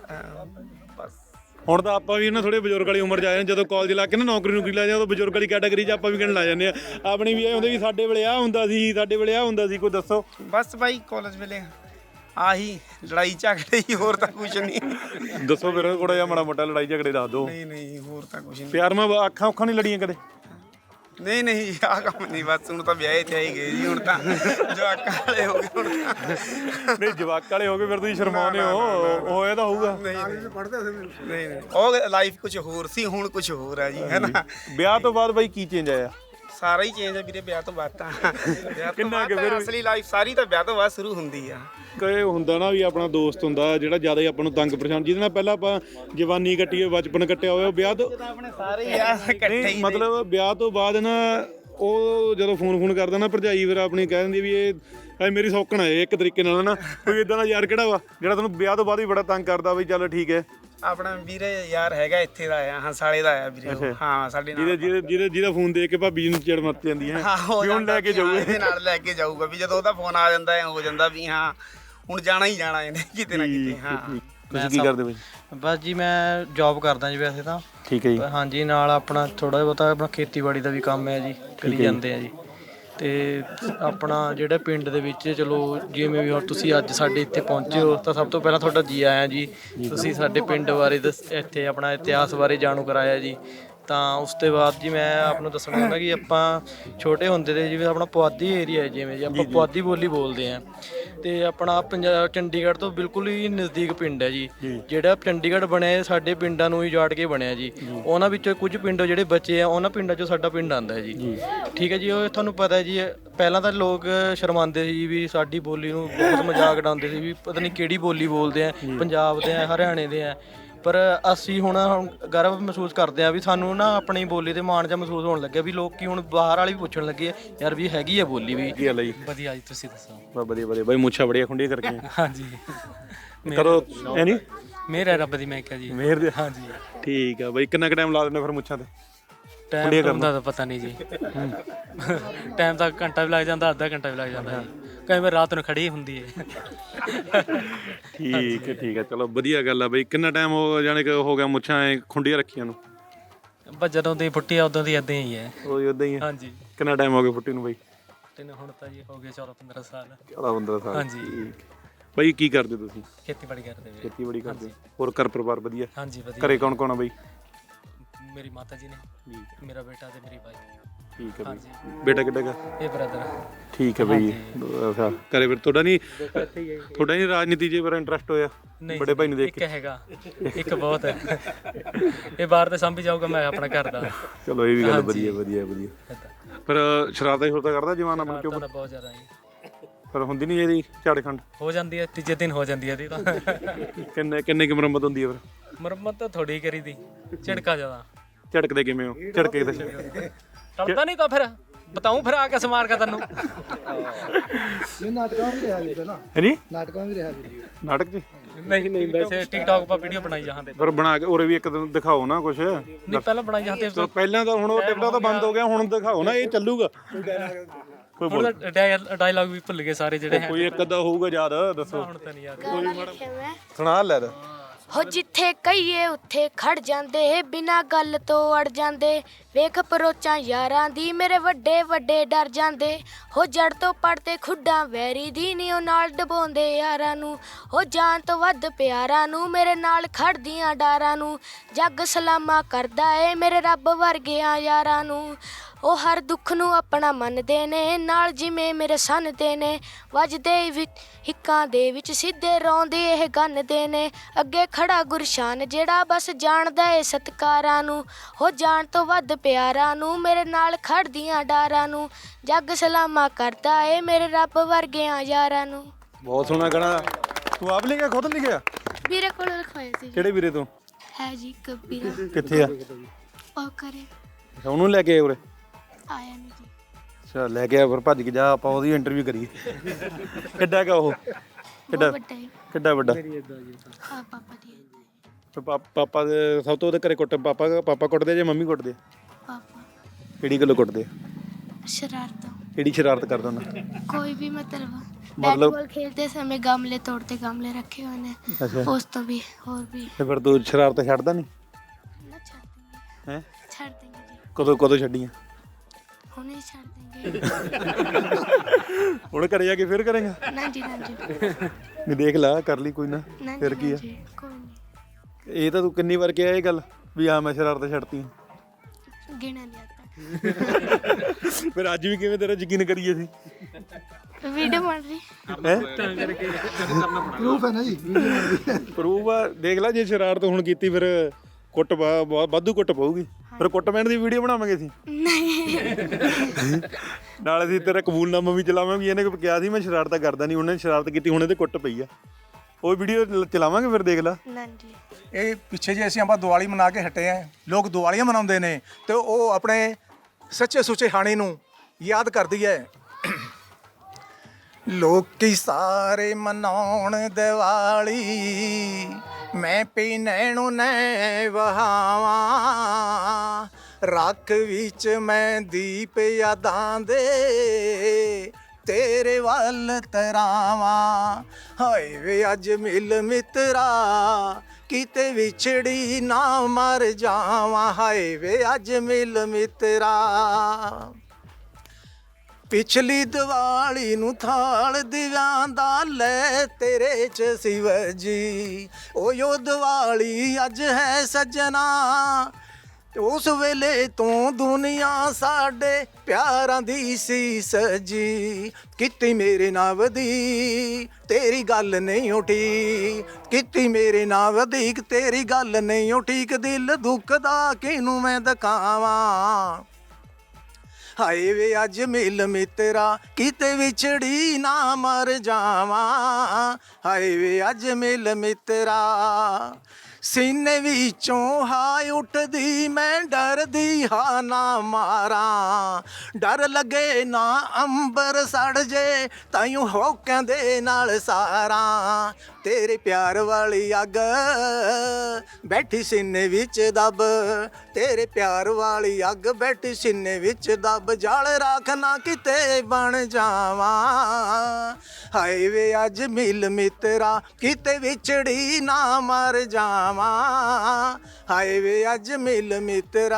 [SPEAKER 2] ਹੁਣ ਤਾਂ ਆਪਾਂ ਵੀ ਨਾ ਥੋੜੇ ਬਜ਼ੁਰਗ ਵਾਲੀ ਉਮਰ 'ਚ ਆਏ ਨੇ, ਜਦੋਂ ਕਾਲਜ ਲਾ ਕੇ ਨਾ ਨੌਕਰੀ ਨੌਕਰੀ ਲਾ ਜਾਂਦੇ ਉਦੋਂ ਬਜ਼ੁਰਗ ਵਾਲੀ ਕੈਟਾਗਰੀ 'ਚ ਆਪਾਂ ਵੀ ਕਹਿਣ ਲਾ ਜਾਂਦੇ ਆ। ਆਪਣੀ ਵੀ ਇਹ ਹੁੰਦੇ ਵੀ ਸਾਡੇ ਵੇਲੇ ਆਹ ਹੁੰਦਾ ਸੀ, ਸਾਡੇ ਵੇਲੇ ਆਹ ਹੁੰਦਾ ਸੀ। ਕੋਈ ਦੱਸੋ।
[SPEAKER 12] ਬਸ ਬਾਈ ਕਾਲਜ ਵੇਲੇ ਆਹੀ ਲੜਾਈ ਝਗੜੇ ਹੀ, ਹੋਰ ਤਾਂ ਕੁਝ ਨਹੀਂ।
[SPEAKER 2] ਦੱਸੋ ਫਿਰ ਥੋੜਾ ਜਿਹਾ ਮਾੜਾ ਮੋਟਾ ਲੜਾਈ ਝਗੜੇ ਦੱਸ ਦਿਓ।
[SPEAKER 12] ਨਹੀਂ ਨਹੀਂ ਹੋਰ ਤਾਂ ਕੁਝ ਨਹੀਂ।
[SPEAKER 2] ਪਿਆਰ ਮੈਂ ਅੱਖਾਂ ਉੱਖਾਂ ਨਹੀਂ ਲੜੀਆਂ ਕਦੇ?
[SPEAKER 12] ਨਹੀਂ ਨਹੀਂ ਆਹ ਕੰਮ ਨਹੀਂ, ਬਸ ਹੁਣ ਤਾਂ ਵਿਆਹੇ ਤੇ ਆਈ ਗਏ ਜੀ। ਹੁਣ ਤਾਂ ਜਵਾਕਾਂ ਵਾਲੇ ਹੋ ਗਏ ਹੁਣ ਤਾਂ।
[SPEAKER 2] ਨਹੀਂ ਜਵਾਕ ਵਾਲੇ ਹੋ ਗਏ ਫਿਰ ਤੁਸੀਂ ਸ਼ਰਮਾਉਂਦੇ ਹੋ, ਉਹ ਇਹ ਤਾਂ ਹੋਊਗਾ।
[SPEAKER 12] ਨਹੀਂ ਨਹੀਂ ਨਹੀਂ ਉਹ ਲਾਈਫ ਕੁਝ ਹੋਰ ਸੀ, ਹੁਣ ਕੁਝ ਹੋਰ ਆ ਜੀ, ਹੈ ਨਾ।
[SPEAKER 2] ਵਿਆਹ ਤੋਂ ਬਾਅਦ ਬਾਈ ਕੀ ਚੇਂਜ ਆਇਆ?
[SPEAKER 12] ਸਾਰਾ ਹੀ ਚੇਂਜ ਹੈ ਵੀਰੇ ਵਿਆਹ ਤੋਂ ਬਾਅਦ ਤਾਂ। ਕਿੰਨਾ ਕਿ ਫਿਰ ਅਸਲੀ ਲਾਈਫ ਸਾਰੀ ਤਾਂ ਵਿਆਹ ਤੋਂ ਬਾਅਦ ਸ਼ੁਰੂ ਹੁੰਦੀ ਆ।
[SPEAKER 2] ਕਈ ਹੁੰਦਾ ਨਾ ਵੀ ਆਪਣਾ ਦੋਸਤ ਹੁੰਦਾ ਜਿਹੜਾ ਜ਼ਿਆਦਾ ਹੀ ਆਪਾਂ ਨੂੰ ਤੰਗ ਪਰੇਸ਼ਾਨ, ਜਿਹਦੇ ਨਾਲ ਪਹਿਲਾਂ ਆਪਾਂ ਜਵਾਨੀ ਕੱਟੀ ਹੋਵੇ, ਬਚਪਨ ਕੱਟਿਆ ਹੋਇਆ, ਉਹ ਵਿਆਹ ਤੋਂ
[SPEAKER 12] ਆਪਣੇ ਸਾਰੇ ਹੀ ਆ ਇਕੱਠੇ ਹੀ।
[SPEAKER 2] ਮਤਲਬ ਵਿਆਹ ਤੋਂ ਬਾਅਦ ਨਾ ਉਹ ਜਦੋਂ ਫੋਨ ਫੋਨ ਕਰਦਾ ਨਾ ਭਰਜਾਈ, ਫਿਰ ਆਪਣੀ ਕਹਿ ਦਿੰਦੀ ਵੀ ਇਹ ਮੇਰੀ ਸੌਕਣ ਹੈ ਇੱਕ ਤਰੀਕੇ ਨਾਲ ਨਾ। ਕੋਈ ਇਦਾਂ ਦਾ ਯਾਰ ਕਿਹੜਾ ਵਾ ਜਿਹੜਾ ਤੁਹਾਨੂੰ ਵਿਆਹ ਤੋਂ ਬਾਅਦ ਵੀ ਬੜਾ ਤੰਗ ਕਰਦਾ ਵੀ ਚੱਲ ਠੀਕ ਹੈ?
[SPEAKER 12] ਆਪਣਾ ਵੀਰੇ ਯਾਰ ਹੈਗਾ ਇੱਥੇ ਦਾ ਆ, ਹਾਂ ਸਾਲੇ ਦਾ ਆ ਵੀਰੇ। ਹਾਂ ਸਾਡੇ ਨਾਲ
[SPEAKER 2] ਜਿਹਦੇ ਜਿਹਦੇ ਜਿਹਦਾ ਫੋਨ ਦੇਖ ਕੇ ਭਾਬੀ ਨੂੰ ਚਿੜ ਮੱਤ ਜਾਂਦੀ ਹੈ ਵੀ ਹੁਣ ਲੈ ਕੇ ਜਾਊਗਾ,
[SPEAKER 12] ਇਹਦੇ ਨਾਲ ਲੈ ਕੇ ਜਾਊਗਾ। ਵੀ ਜਦੋਂ ਉਹਦਾ ਫੋਨ ਆ ਜਾਂਦਾ ਹੋ ਜਾਂਦਾ ਵੀ ਹਾਂ ਹੁਣ ਜਾਣਾ ਹੀ ਜਾਣਾ ਇਹਨੇ ਕਿਤੇ ਨਾ ਕਿਤੇ। ਹਾਂ
[SPEAKER 2] ਤੁਸੀਂ ਕੀ ਕਰਦੇ ਬਾਈ?
[SPEAKER 13] ਬਸ ਜੀ ਮੈਂ ਜੌਬ ਕਰਦਾ ਜੀ ਵੈਸੇ ਤਾਂ।
[SPEAKER 2] ਠੀਕ ਹੈ ਜੀ।
[SPEAKER 13] ਹਾਂਜੀ ਨਾਲ ਆਪਣਾ ਥੋੜਾ ਬਹੁਤਾ ਆਪਣਾ ਖੇਤੀਬਾੜੀ ਦਾ ਵੀ ਕੰਮ ਹੈ ਜੀ, ਕਰੀ ਜਾਂਦੇ ਆ ਜੀ। ਤੇ ਆਪਣਾ ਜਿਹੜਾ ਪਿੰਡ ਦੇ ਵਿੱਚ ਚਲੋ ਜਿਵੇਂ ਵੀ ਹੁਣ ਤੁਸੀਂ ਅੱਜ ਸਾਡੇ ਇੱਥੇ ਪਹੁੰਚੇ ਹੋ ਤਾਂ ਸਭ ਤੋਂ ਪਹਿਲਾਂ ਤੁਹਾਡਾ ਜੀ ਆਇਆਂ ਜੀ। ਤੁਸੀਂ ਸਾਡੇ ਪਿੰਡ ਬਾਰੇ ਦੱਸ, ਇੱਥੇ ਆਪਣਾ ਇਤਿਹਾਸ ਬਾਰੇ ਜਾਣੂ ਕਰਾਇਆ ਜੀ। ਤਾਂ ਉਸ ਤੋਂ ਬਾਅਦ ਜੀ ਮੈਂ ਆਪ ਨੂੰ ਦੱਸਣਾ ਚਾਹੁੰਦਾ ਕਿ ਆਪਾਂ ਛੋਟੇ ਹੁੰਦੇ ਦੇ ਜਿਵੇਂ ਆਪਣਾ ਪੁਆਧੀ ਏਰੀਆ ਜਿਵੇਂ ਜੀ ਆਪਾਂ ਪੁਆਧੀ ਬੋਲੀ ਬੋਲਦੇ ਹਾਂ। ਤੇ ਆਪਣਾ ਪੰਜਾਬ ਚੰਡੀਗੜ੍ਹ ਤੋਂ ਬਿਲਕੁਲ ਹੀ ਨਜ਼ਦੀਕ ਪਿੰਡ ਹੈ ਜੀ। ਜਿਹੜਾ ਚੰਡੀਗੜ੍ਹ ਬਣਿਆ ਸਾਡੇ ਪਿੰਡਾਂ ਨੂੰ ਹੀ ਉਜਾੜ ਕੇ ਬਣਿਆ ਜੀ। ਉਹਨਾਂ ਵਿੱਚੋਂ ਕੁਝ ਪਿੰਡ ਜਿਹੜੇ ਬਚੇ ਆ ਉਹਨਾਂ ਪਿੰਡਾਂ 'ਚੋਂ ਸਾਡਾ ਪਿੰਡ ਆਉਂਦਾ ਹੈ ਜੀ। ਠੀਕ ਹੈ ਜੀ। ਉਹ ਤੁਹਾਨੂੰ ਪਤਾ ਹੈ ਜੀ ਪਹਿਲਾਂ ਤਾਂ ਲੋਕ ਸ਼ਰਮਾਉਂਦੇ ਸੀ ਵੀ ਸਾਡੀ ਬੋਲੀ ਨੂੰ ਬਹੁਤ ਮਜ਼ਾਕ ਉਡਾਉਂਦੇ ਸੀ ਵੀ ਪਤਾ ਨਹੀਂ ਕਿਹੜੀ ਬੋਲੀ ਬੋਲਦੇ ਆ, ਪੰਜਾਬ ਦੇ ਆ, ਹਰਿਆਣੇ ਦੇ ਆ। ਪਰ ਅਸੀਂ ਹੁਣ ਹੁਣ ਗਰਵ ਮਹਿਸੂਸ ਕਰਦੇ ਆ ਵੀ ਸਾਨੂੰ ਨਾ ਆਪਣੀ ਬੋਲੀ ਤੇ ਮਾਣ ਜਿਹਾ ਮਹਿਸੂਸ ਹੋਣ ਲੱਗਿਆ ਵੀ ਲੋਕੀ ਹੁਣ ਬਾਹਰ ਵਾਲੇ ਵੀ ਪੁੱਛਣ ਲੱਗੇ ਆ ਯਾਰ ਵੀ ਹੈਗੀ ਆ ਬੋਲੀ ਵੀ।
[SPEAKER 2] ਕੀ ਹਾਲ ਹੈ ਜੀ?
[SPEAKER 13] ਵਧੀਆ ਜੀ, ਤੁਸੀਂ ਦੱਸੋ?
[SPEAKER 2] ਬਸ ਵਧੀਆ ਵਧੀਆ ਬਾਈ, ਮੁੱਛਾਂ ਬੜੀਆਂ ਖੁੰਡੀਆਂ ਕਰਕੇ।
[SPEAKER 13] ਹਾਂਜੀ
[SPEAKER 2] ਕਰੋ ਐ ਨਹੀਂ
[SPEAKER 13] ਮੇਰ ਹੈ ਰੱਬ ਦੀ, ਮੈਂ ਕਿਹਾ ਜੀ
[SPEAKER 2] ਮਿਹਰ ਦੇ।
[SPEAKER 13] ਹਾਂਜੀ
[SPEAKER 2] ਠੀਕ ਆ ਬਾਈ, ਕਿੰਨਾ ਕੁ ਟਾਈਮ ਲਾ ਦਿੰਦੇ ਫਿਰ ਮੁੱਛਾਂ ਤੇ?
[SPEAKER 13] ਟਾਈਮ ਦਾ ਤਾਂ ਪਤਾ ਨਹੀਂ ਜੀ, ਟਾਈਮ ਤਾਂ ਘੰਟਾ ਵੀ ਲੱਗ ਜਾਂਦਾ, ਅੱਧਾ ਘੰਟਾ ਵੀ ਲੱਗ ਜਾਂਦਾ ਜੀ, ਕਈ ਵਾਰ ਰਾਤ ਨੂੰ ਖੜੀ ਹੁੰਦੀ ਹੈ।
[SPEAKER 2] ਠੀਕ ਹੈ ਠੀਕ ਹੈ, ਚਲੋ ਵਧੀਆ ਗੱਲ ਆ ਬਈ। ਕਿੰਨਾ ਟਾਈਮ ਹੋ ਜਾਣੇ ਕਿ ਹੋ ਗਿਆ ਮੁੱਛਾਂ ਐ ਖੁੰਡੀਆਂ ਰੱਖੀਆਂ ਨੂੰ?
[SPEAKER 13] ਬਸ ਜਦੋਂ ਦੀ ਫੁੱਟੀ ਆ ਉਦੋਂ ਦੀ ਏਦਾਂ ਹੀ ਹੈ।
[SPEAKER 2] ਉਹ ਉਦਾਂ ਹੀ ਹੈ?
[SPEAKER 13] ਹਾਂਜੀ।
[SPEAKER 2] ਕਿੰਨਾ ਟਾਈਮ ਹੋ ਗਿਆ ਫੁੱਟੀ ਨੂੰ ਬਈ?
[SPEAKER 13] ਤੈਨੂੰ ਹੁਣ ਤਾਂ ਜੀ ਹੋ ਗਏ ਚੌਦਾਂ ਪੰਦਰਾਂ ਸਾਲ।
[SPEAKER 2] ਚੌਦਾਂ ਪੰਦਰਾਂ ਸਾਲ,
[SPEAKER 13] ਹਾਂਜੀ।
[SPEAKER 2] ਠੀਕ ਬਈ। ਕੀ ਕਰਦੇ ਤੁਸੀਂ?
[SPEAKER 13] ਖੇਤੀਬਾੜੀ ਕਰਦੇ ਵੇ।
[SPEAKER 2] ਖੇਤੀਬਾੜੀ ਕਰਦੇ। ਹੋਰ ਘਰ ਪਰਿਵਾਰ ਵਧੀਆ?
[SPEAKER 13] ਹਾਂਜੀ ਵਧੀਆ।
[SPEAKER 2] ਘਰੇ ਕੌਣ ਕੌਣ ਆ ਬਈ?
[SPEAKER 13] ਮੇਰੀ ਮਾਤਾ ਜੀ ਨੇ, ਮੇਰਾ ਬੇਟਾ ਤੇ ਮੇਰੀ ਵਾਈਫ।
[SPEAKER 2] ਠੀਕ ਹੈ ਬਈ। ਬੇਟਾ ਕਿੱਡਾ ਗਾ?
[SPEAKER 13] ਇਹ ਬ੍ਰਦਰ।
[SPEAKER 2] ਠੀਕ ਹੈ ਬਈ। ਅੱਛਾ, ਘਰੇ ਫਿਰ ਤੁਹਾਡਾ ਨਹੀਂ ਤੁਹਾਡਾ ਨਹੀਂ ਰਾਜਨੀਤੀ ਜੇ ਪਰ ਇੰਟਰਸਟ ਹੋਇਆ ਬੜੇ ਭਾਈ ਨੂੰ ਦੇਖ ਕੇ?
[SPEAKER 13] ਇੱਕ ਹੈਗਾ, ਇੱਕ ਬਹੁਤ ਹੈ। ਇਹ ਬਾਹਰ ਤੇ ਸਾਂਭੀ ਜਾਊਗਾ, ਮੈਂ ਆਪਣਾ ਘਰ ਦਾ।
[SPEAKER 2] ਚਲੋ ਇਹ ਵੀ ਗੱਲ ਵਧੀਆ ਵਧੀਆ ਵਧੀਆ। ਪਰ ਸ਼ਰਾਰਤਾਂ ਸ਼ੁਰਤਾ ਕਰਦਾ ਜਵਾਨ ਆਪਣਾ ਕਿਉਂ?
[SPEAKER 13] ਬਹੁਤ ਜ਼ਿਆਦਾ ਜੀ।
[SPEAKER 2] ਪਰ ਹੁੰਦੀ ਨਹੀਂ ਇਹਦੀ ਝਾੜਖੰਡ?
[SPEAKER 13] ਹੋ ਜਾਂਦੀ ਹੈ, ਤੀਜੇ ਦਿਨ ਹੋ ਜਾਂਦੀ ਹੈ ਇਹਦੀ ਤਾਂ।
[SPEAKER 2] ਕਿੰਨੇ ਕਿੰਨੇ ਕੀ ਮੁਰੰਮਤ ਹੁੰਦੀ ਹੈ ਫਿਰ?
[SPEAKER 13] ਮੁਰੰਮਤ ਤਾਂ ਥੋੜੀ ਕਰੀ ਦੀ, ਝਿੜਕਾ ਜ਼ਿਆਦਾ।
[SPEAKER 2] ਝਟਕਦੇ ਕਿਵੇਂ ਹੋ? ਝਟਕੇ ਤੇ
[SPEAKER 13] ਕਰਦਾ ਨਹੀਂ ਤਾਂ ਫਿਰ ਬਤਾਉਂ ਫਿਰ ਆ ਕੇ ਸਮਾਰ ਕੇ ਤੈਨੂੰ।
[SPEAKER 8] ਨਾਟਕਾਂ ਵੀ ਰਿਹਾ ਜੀ ਨਾ।
[SPEAKER 2] ਹੈ ਜੀ?
[SPEAKER 8] ਨਾਟਕਾਂ ਵੀ ਰਿਹਾ ਜੀ।
[SPEAKER 2] ਨਾਟਕ ਜੀ?
[SPEAKER 13] ਨਹੀਂ ਨਹੀਂ, ਵੈਸੇ ਟਿਕਟੌਕ 'ਪਾ ਵੀਡੀਓ ਬਣਾਈ ਜਾਂਦੇ।
[SPEAKER 2] ਪਰ ਬਣਾ ਕੇ ਉਰੇ ਵੀ ਇੱਕ ਦਿਨ ਦਿਖਾਓ ਨਾ ਕੁਛ।
[SPEAKER 13] ਨਹੀਂ ਪਹਿਲਾਂ ਬਣਾਈ ਜਾਂਦੇ।
[SPEAKER 2] ਪਹਿਲਾਂ ਤਾਂ ਹੁਣ ਉਹ ਟਿਕਟੌਕ ਤਾਂ ਬੰਦ ਹੋ ਗਿਆ, ਹੁਣ ਦਿਖਾਓ ਨਾ, ਇਹ ਚੱਲੂਗਾ। ਕੋਈ
[SPEAKER 13] ਹੁਣ ਤਾਂ ਡਾਇਲੌਗ ਵੀ ਭੁੱਲ ਗਏ ਸਾਰੇ ਜਿਹੜੇ ਹੈ।
[SPEAKER 2] ਕੋਈ ਇੱਕ ਅੱਧਾ ਹੋਊਗਾ ਯਾਦ, ਦੱਸੋ।
[SPEAKER 13] ਹੁਣ ਤਾਂ ਨਹੀਂ ਯਾਦ।
[SPEAKER 2] ਸੁਣਾ ਲੈ।
[SPEAKER 7] ਹੋ ਜਿੱਥੇ ਕਹੀਏ ਉੱਥੇ ਖੜ ਜਾਂਦੇ, ਬਿਨਾਂ ਗੱਲ ਤੋਂ ਅੜ ਜਾਂਦੇ, ਵੇਖ ਪਰੋਚਾਂ ਯਾਰਾਂ ਦੀ ਮੇਰੇ ਵੱਡੇ ਵੱਡੇ ਡਰ ਜਾਂਦੇ। ਹੋ ਜੜ ਤੋਂ ਪੜਦੇ ਖੁੱਡਾਂ ਵੈਰੀ ਦੀ ਨੀ ਉਹ ਨਾਲ ਡਬੋਂਦੇ ਯਾਰਾਂ ਨੂੰ। ਹੋ ਜਾਨ ਤੋਂ ਵੱਧ ਪਿਆਰਾਂ ਨੂੰ ਮੇਰੇ ਨਾਲ ਖੜਦੀਆਂ ਡਾਰਾਂ ਨੂੰ। ਜੱਗ ਸਲਾਮਾ ਕਰਦਾ ਏ ਮੇਰੇ ਰੱਬ ਵਰਗਿਆਂ ਯਾਰਾਂ ਨੂੰ। ਉਹ ਹਰ ਦੁੱਖ ਨੂੰ ਆਪਣਾ ਮੰਨਦੇ ਨੇ, ਨਾਲ ਜਿਵੇਂ ਮੇਰੇ ਸੰਨਦੇ ਨੇ। ਵੱਜਦੇ ਵਿੱਚ ਹਿੱਕਾਂ ਦੇ ਵਿੱਚ ਸਿੱਧੇ ਰੌਂਦੇ ਇਹ ਗੰਨਦੇ ਨੇ। ਅੱਗੇ ਖੜਾ ਗੁਰਸ਼ਾਨ ਜਿਹੜਾ ਬਸ ਜਾਣਦਾ ਏ ਸਤਕਾਰਾਂ ਨੂੰ। ਹੋ ਜਾਣ ਤੋਂ ਵੱਧ ਪਿਆਰਾਂ ਨੂੰ ਮੇਰੇ ਨਾਲ ਖੜਦੀਆਂ ਡਾਰਾਂ ਨੂੰ। ਜੱਗ ਸਲਾਮਾ ਕਰਦਾ ਏ ਮੇਰੇ ਰੱਬ ਵਰਗਿਆਂ ਯਾਰਾਂ ਨੂੰ।
[SPEAKER 2] ਬਹੁਤ ਸੋਹਣਾ ਗਾਣਾ। ਤੂੰ ਆਪ ਲਿਖਿਆ, ਖੁਦ ਲਿਖਿਆ?
[SPEAKER 7] ਵੀਰੇ ਕੋਲ ਲਿਖਵਾਇਆ ਸੀ।
[SPEAKER 2] ਕਿਹੜੇ ਵੀਰੇ ਤੋਂ?
[SPEAKER 7] ਹੈ ਜੀ ਕਬੀਰਾ।
[SPEAKER 2] ਕਿੱਥੇ ਆ?
[SPEAKER 7] ਉਹ ਕਰੇ
[SPEAKER 2] ਉਹਨੂੰ ਲੈ ਕੇ ਆਏ ਉਰੇ?
[SPEAKER 7] ਆਇਆ ਨਹੀਂ ਜੀ।
[SPEAKER 2] ਅੱਛਾ, ਲੈ ਕੇ ਆ ਫਿਰ, ਭੱਜ ਕੇ ਜਾ, ਆਪਾਂ ਉਹਦੀ ਇੰਟਰਵਿਊ ਕਰੀਏ। ਕਿੱਡਾ ਕਾ ਉਹ? ਕਿੱਡਾ ਕਿੱਡਾ ਵੱਡਾ?
[SPEAKER 7] ਹਾਂ ਪਾਪਾ ਦੀ।
[SPEAKER 2] ਪਾਪਾ ਦੇ ਸਭ ਤੋਂ ਉਹਦੇ ਘਰੇ ਕੁੱਟ ਪਾਪਾ ਪਾਪਾ ਕੁੱਟਦੇ ਜਾਂ ਮੰਮੀ ਕੁੱਟਦੇ?
[SPEAKER 7] ਪਾਪਾ।
[SPEAKER 2] ਕਿਹੜੀ ਗੱਲੋਂ ਕੁੱਟਦੇ?
[SPEAKER 7] ਸ਼ਰਾਰਤ।
[SPEAKER 2] ਕਿਹੜੀ ਸ਼ਰਾਰਤ ਕਰਦਾ ਹੁੰਦਾ?
[SPEAKER 7] ਕੋਈ ਵੀ ਮਤਲਬ
[SPEAKER 2] ਮਤਲਬ
[SPEAKER 7] ਬੈਟਬਾਲ ਖੇਡਦੇ ਸਮੇਂ ਗਮਲੇ ਤੋੜਤੇ, ਗਮਲੇ ਰੱਖੇ ਹੋਏ ਨੇ। ਉਸ ਤੋਂ ਵੀ ਹੋਰ ਵੀ।
[SPEAKER 2] ਤੇ ਫਿਰ ਤੂੰ ਸ਼ਰਾਰਤ ਛੱਡਦਾ ਨਹੀਂ?
[SPEAKER 7] ਨਾ ਛੱਡ ਦੇਂਗੇ।
[SPEAKER 2] ਹੈ?
[SPEAKER 7] ਛੱਡ ਦੇਂਗੇ ਜੀ।
[SPEAKER 2] ਕਦੋਂ ਕਦੋਂ ਛੱਡੀਆਂ?
[SPEAKER 7] ਹੁਣੇ ਛੱਡ ਦੇਂਗੇ।
[SPEAKER 2] ਹੁਣ ਘਰੇ ਜਾ ਕੇ ਫਿਰ ਕਰੇਗਾ?
[SPEAKER 7] ਨਾ ਜੀ ਨਾ ਜੀ।
[SPEAKER 2] ਨਹੀਂ ਦੇਖ ਲਾ, ਕਰ ਲਈ ਕੋਈ ਨਾ, ਫਿਰ ਕੀ ਆ?
[SPEAKER 7] ਕੋਈ ਨਹੀਂ।
[SPEAKER 2] ਇਹ ਤਾਂ ਤੂੰ ਕਿੰਨੀ ਵਾਰ ਕਿਹਾ ਇਹ ਗੱਲ ਵੀ ਆ ਮੈਂ ਸ਼ਰਾਰਤ ਛੱਡਤੀ?
[SPEAKER 7] ਗਿਣਿਆ ਨਹੀਂ आता।
[SPEAKER 2] ਫਿਰ ਅੱਜ ਵੀ ਕਿਵੇਂ ਤੇਰਾ ਯਕੀਨ ਕਰੀਏ ਸੀ?
[SPEAKER 7] ਵੀਡੀਓ ਬਣ ਰਹੀ
[SPEAKER 2] ਹੈ?
[SPEAKER 8] ਪ੍ਰੂਫ ਹੈ ਨਾ ਜੀ।
[SPEAKER 2] ਪ੍ਰੂਫ ਆ, ਦੇਖ ਲੈ। ਜੇ ਸ਼ਰਾਰਤ ਹੁਣ ਕੀਤੀ ਫਿਰ ਕੁੱਟ ਵਾਧੂ ਕੁੱਟ ਪਊਗੀ। ਫਿਰ ਕੁੱਟਮੈਂਟ ਦੀ ਵੀਡੀਓ ਬਣਾਵਾਂਗੇ ਅਸੀਂ। ਨਾਲ ਅਸੀਂ ਤੇਰਾ ਕਬੂਲਨਾਮਾ ਵੀ ਚਲਾਵਾਂਗੇ। ਇਹਨੇ ਕਿਹਾ ਸੀ ਮੈਂ ਸ਼ਰਾਰਤਾਂ ਕਰਦਾ ਨਹੀਂ, ਉਹਨੇ ਸ਼ਰਾਰਤ ਕੀਤੀ, ਹੁਣ ਇਹਦੇ ਕੁੱਟ ਪਈ ਆ। ਉਹ ਵੀਡੀਓ ਚਲਾਵਾਂਗੇ ਫਿਰ, ਦੇਖ ਲਾ।
[SPEAKER 3] ਇਹ ਪਿੱਛੇ ਜੇ ਅਸੀਂ ਆਪਾਂ ਦੀਵਾਲੀ ਮਨਾ ਕੇ ਹਟੇ ਆ, ਲੋਕ ਦੀਵਾਲੀਆਂ ਮਨਾਉਂਦੇ ਨੇ ਤੇ ਉਹ ਆਪਣੇ ਸੱਚੇ ਸੁੱਚੇ ਹਾਣੀ ਨੂੰ ਯਾਦ ਕਰਦੀ ਹੈ। ਲੋਕੀ ਸਾਰੇ ਮਨਾਉਣ ਦੀਵਾਲੀ, ਮੈਂ ਪੀ ਨੈਣੋ ਨੈ ਵਹਾਵਾਂ। ਰੱਖ ਵਿੱਚ ਮੈਂ ਦੀਪ ਯਾਦਾਂ ਦੇ, ਤੇਰੇ ਵੱਲ ਤਰਾਵਾਂ। ਹਾਏ ਵੇ ਅੱਜ ਮਿਲ ਮਿੱਤਰਾ, ਕਿਤੇ ਵਿਛੜੀ ਨਾ ਮਰ ਜਾਵਾਂ। ਹਾਏ ਵੇ ਅੱਜ ਮਿਲ ਮਿੱਤਰਾ। ਪਿਛਲੀ ਦੀਵਾਲੀ ਨੂੰ ਥਾਲ ਦਿਵਿਆਂ ਦਾ ਲੈ ਤੇਰੇ ਚ ਸਿਵ ਜੀ। ਓਯੋ ਦੀਵਾਲੀ ਅੱਜ ਹੈ ਸੱਜਣਾ, ਉਸ ਵੇਲੇ ਤੋਂ ਦੁਨੀਆ ਸਾਡੇ ਪਿਆਰਾਂ ਦੀ ਸੀ ਸਜੀ। ਕੀਤੀ ਮੇਰੇ ਨਾਲ ਵਧੀ ਤੇਰੀ ਗੱਲ ਨਹੀਂ ਉਠੀ, ਕੀਤੀ ਮੇਰੇ ਨਾਲ ਵਧੀਕ ਤੇਰੀ ਗੱਲ ਨਹੀਂ ਉਠੀ। ਦਿਲ ਦੁੱਖ ਦਾ ਕਿਹਨੂੰ ਮੈਂ ਦਿਖਾਵਾਂ। ਹਾਏ ਵੇ ਅੱਜ ਮਿਲ ਮਿੱਤਰਾ, ਕਿਤੇ ਵਿਛੜੀ ਨਾ ਮਰ ਜਾਵਾਂ। ਹਾਏ ਵੇ ਅੱਜ ਮਿਲ ਮਿੱਤਰਾ, ਸੀਨੇ ਵਿੱਚੋਂ ਹਾਏ ਉੱਠਦੀ ਮੈਂ ਡਰਦੀ ਹਾਂ ਨਾ ਮਾਰਾਂ ਡਰ ਲੱਗੇ ਨਾ ਅੰਬਰ ਸੜ ਜੇ ਤਾਈਓ ਹੋਕਾਂ ਦੇ ਨਾਲ ਸਾਰਾਂ ਤੇਰੇ ਪਿਆਰ ਵਾਲੀ ਅੱਗ ਬੈਠੀ ਸੀਨੇ ਵਿੱਚ ਦੱਬ ਤੇਰੇ ਪਿਆਰ ਵਾਲੀ ਅੱਗ ਬੈਠੀ ਸੀਨੇ ਵਿੱਚ ਦੱਬ ਜਲ ਰੱਖ ਨਾ ਕਿਤੇ ਬਣ ਜਾਵਾਂ ਹਾਏ ਵੇ ਅੱਜ ਮਿਲ ਮਿੱਤਰਾ ਕਿਤੇ ਵਿਛੜੀ ਨਾ ਮਰ ਜਾਵਾਂ ਹਾਏ ਵੇ ਅੱਜ ਮਿਲ ਮਿੱਤਰਾ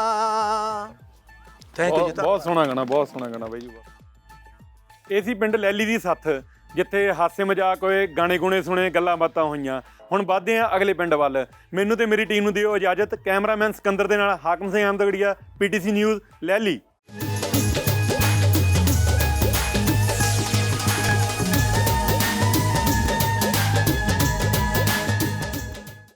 [SPEAKER 3] ਥੈਂਕ ਯੂ ਜੀ
[SPEAKER 2] ਬਹੁਤ ਸੋਹਣਾ ਗਾਣਾ ਬਹੁਤ ਸੋਹਣਾ ਗਾਣਾ ਬਾਈ ਜੀ ਇਹ ਸੀ ਪਿੰਡ ਲਹਿਲੀ ਦੀ ਸੱਥ ਜਿੱਥੇ ਹਾਸੇ ਮਜ਼ਾਕ ਹੋਏ ਗਾਣੇ ਗੁਣੇ ਸੁਣੇ ਗੱਲਾਂ ਬਾਤਾਂ ਹੋਈਆਂ ਹੁਣ ਵੱਧਦੇ ਹਾਂ ਅਗਲੇ ਪਿੰਡ ਵੱਲ ਮੈਨੂੰ ਤੇ ਮੇਰੀ ਟੀਮ ਨੂੰ ਦਿਓ ਇਜਾਜ਼ਤ ਕੈਮਰਾਮੈਨ ਸਿਕੰਦਰ ਦੇ ਨਾਲ ਹਾਕਮ ਸਿੰਘ ਅਹਿਮਦਗੜੀਆ ਪੀਟੀਸੀ ਨਿਊਜ਼ ਲਹਿਲੀ।